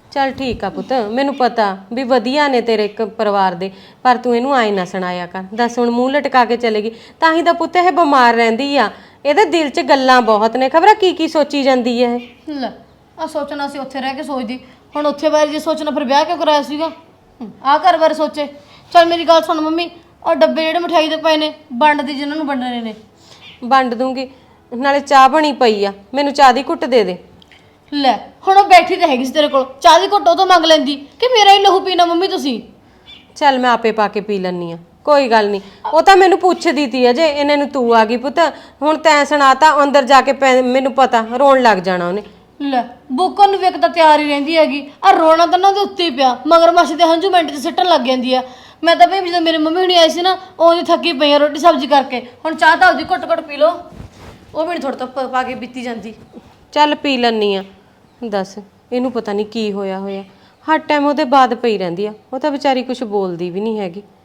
[SPEAKER 1] ਚੱਲ ਠੀਕ ਆ ਪੁੱਤ, ਮੈਨੂੰ ਪਤਾ ਵੀ ਵਧੀਆ ਨੇ ਤੇਰੇ ਇੱਕ ਪਰਿਵਾਰ ਦੇ, ਪਰ ਤੂੰ ਇਹਨੂੰ ਆਏ ਨਾ ਸੁਣਾਇਆ ਕਰ। ਦੱਸ ਹੁਣ ਮੂੰਹ ਲਟਕਾ ਕੇ ਚਲੇਗੀ, ਤਾਂ ਹੀ ਤਾਂ ਪੁੱਤ ਇਹ ਬਿਮਾਰ ਰਹਿੰਦੀ ਆ। ਇਹਦੇ ਦਿਲ 'ਚ ਗੱਲਾਂ ਬਹੁਤ ਨੇ, ਖਬਰ ਕੀ ਕੀ ਸੋਚੀ ਜਾਂਦੀ ਹੈ ਇਹ।
[SPEAKER 2] ਲੈ ਆ ਸੋਚਣਾ ਸੀ ਉੱਥੇ ਰਹਿ ਕੇ ਸੋਚਦੀ, ਹੁਣ ਉੱਥੇ ਬਾਰੇ ਜੇ ਸੋਚਣਾ ਫਿਰ ਵਿਆਹ ਕਿਉਂ ਕਰਾਇਆ ਸੀਗਾ? ਆ ਘਰ ਬਾਰੇ ਸੋਚੇ। ਚੱਲ ਮੇਰੀ ਗੱਲ ਸੁਣ ਮੰਮੀ, ਉਹ ਡੱਬੇ ਜਿਹੜੇ ਮਠਾਈ ਦੇ ਪਏ ਨੇ ਵੰਡ ਦੀ, ਜਿਨ੍ਹਾਂ ਨੂੰ ਵੰਡਣੇ ਨੇ।
[SPEAKER 1] ਵੰਡ ਦੂੰਗੀ, ਨਾਲੇ ਚਾਹ ਬਣੀ ਪਈ ਆ, ਮੈਨੂੰ ਚਾਹ ਦੀ ਘੁੱਟ ਦੇ ਦੇ।
[SPEAKER 2] ਲੈ ਹੁਣ ਉਹ ਬੈਠੀ ਤਾਂ ਹੈਗੀ ਸੀ ਤੇਰੇ ਕੋਲ, ਚਾਹ ਦੀ ਘੁੱਟ ਉਹ ਤੋਂ ਮੰਗ ਲੈਂਦੀ ਕਿ ਮੇਰਾ ਹੀ ਲਹੂ ਪੀਣਾ ਮੰਮੀ ਤੁਸੀਂ।
[SPEAKER 1] ਚੱਲ ਮੈਂ ਆਪੇ ਪਾ ਕੇ ਪੀ ਲੈਣੀ ਆ, ਕੋਈ ਗੱਲ ਨਹੀਂ। ਉਹ ਤਾਂ ਮੈਨੂੰ ਪੁੱਛਦੀ ਤੀ ਅਜੇ, ਇਹਨੇ ਨੂੰ ਤੂੰ ਆ ਗਈ ਪੁੱਤ, ਹੁਣ ਤੈਂ ਸੁਣਾਤਾ, ਅੰਦਰ ਜਾ ਕੇ ਪੈ- ਮੈਨੂੰ ਪਤਾ ਰੋਣ ਲੱਗ ਜਾਣਾ ਉਹਨੇ।
[SPEAKER 2] ਲੈ ਬੁੱਕਣ ਨੂੰ ਵੇਖ ਤਾਂ ਤਿਆਰ ਹੀ ਰਹਿੰਦੀ ਹੈਗੀ, ਆ ਰੋਣਾ ਤਾਂ ਨਾ ਉਹਦੇ ਉੱਤੇ ਹੀ ਪਿਆ, ਮਗਰ ਮਾਸੀ ਦੇ ਹੰਝੂ ਮਿੰਟ 'ਚ ਸਿੱਟਣ ਲੱਗ ਜਾਂਦੀ ਆ। ਮੈਂ ਤਾਂ ਭਈ ਜਦੋਂ ਮੇਰੇ ਮੰਮੀ ਹੁਣੀ ਆਈ ਸੀ ਨਾ, ਉਹਦੀ ਥੱਕੀ ਪਈ ਆ ਰੋਟੀ ਸਬਜ਼ੀ ਕਰਕੇ, ਹੁਣ ਚਾਹ ਤਾਂ ਉਹਦੀ ਘੁੱਟ ਘੁੱਟ ਪੀ ਲਓ, ਉਹ ਵੀ ਨਹੀਂ ਥੋੜਾ ਤੋਂ ਪਾ ਕੇ ਪੀਤੀ ਜਾਂਦੀ।
[SPEAKER 1] ਚੱਲ ਪੀ ਲੈਣੀ ਆ। ਦੱਸ ਇਹਨੂੰ ਪਤਾ ਨਹੀਂ ਕੀ ਹੋਇਆ ਹੋਇਆ, ਹਰ ਟਾਈਮ ਉਹਦੇ ਬਾਅਦ ਪਈ ਰਹਿੰਦੀ ਆ, ਉਹ ਤਾਂ ਵਿਚਾਰੀ ਕੁਝ ਬੋਲਦੀ ਵੀ ਨਹੀਂ ਹੈਗੀ।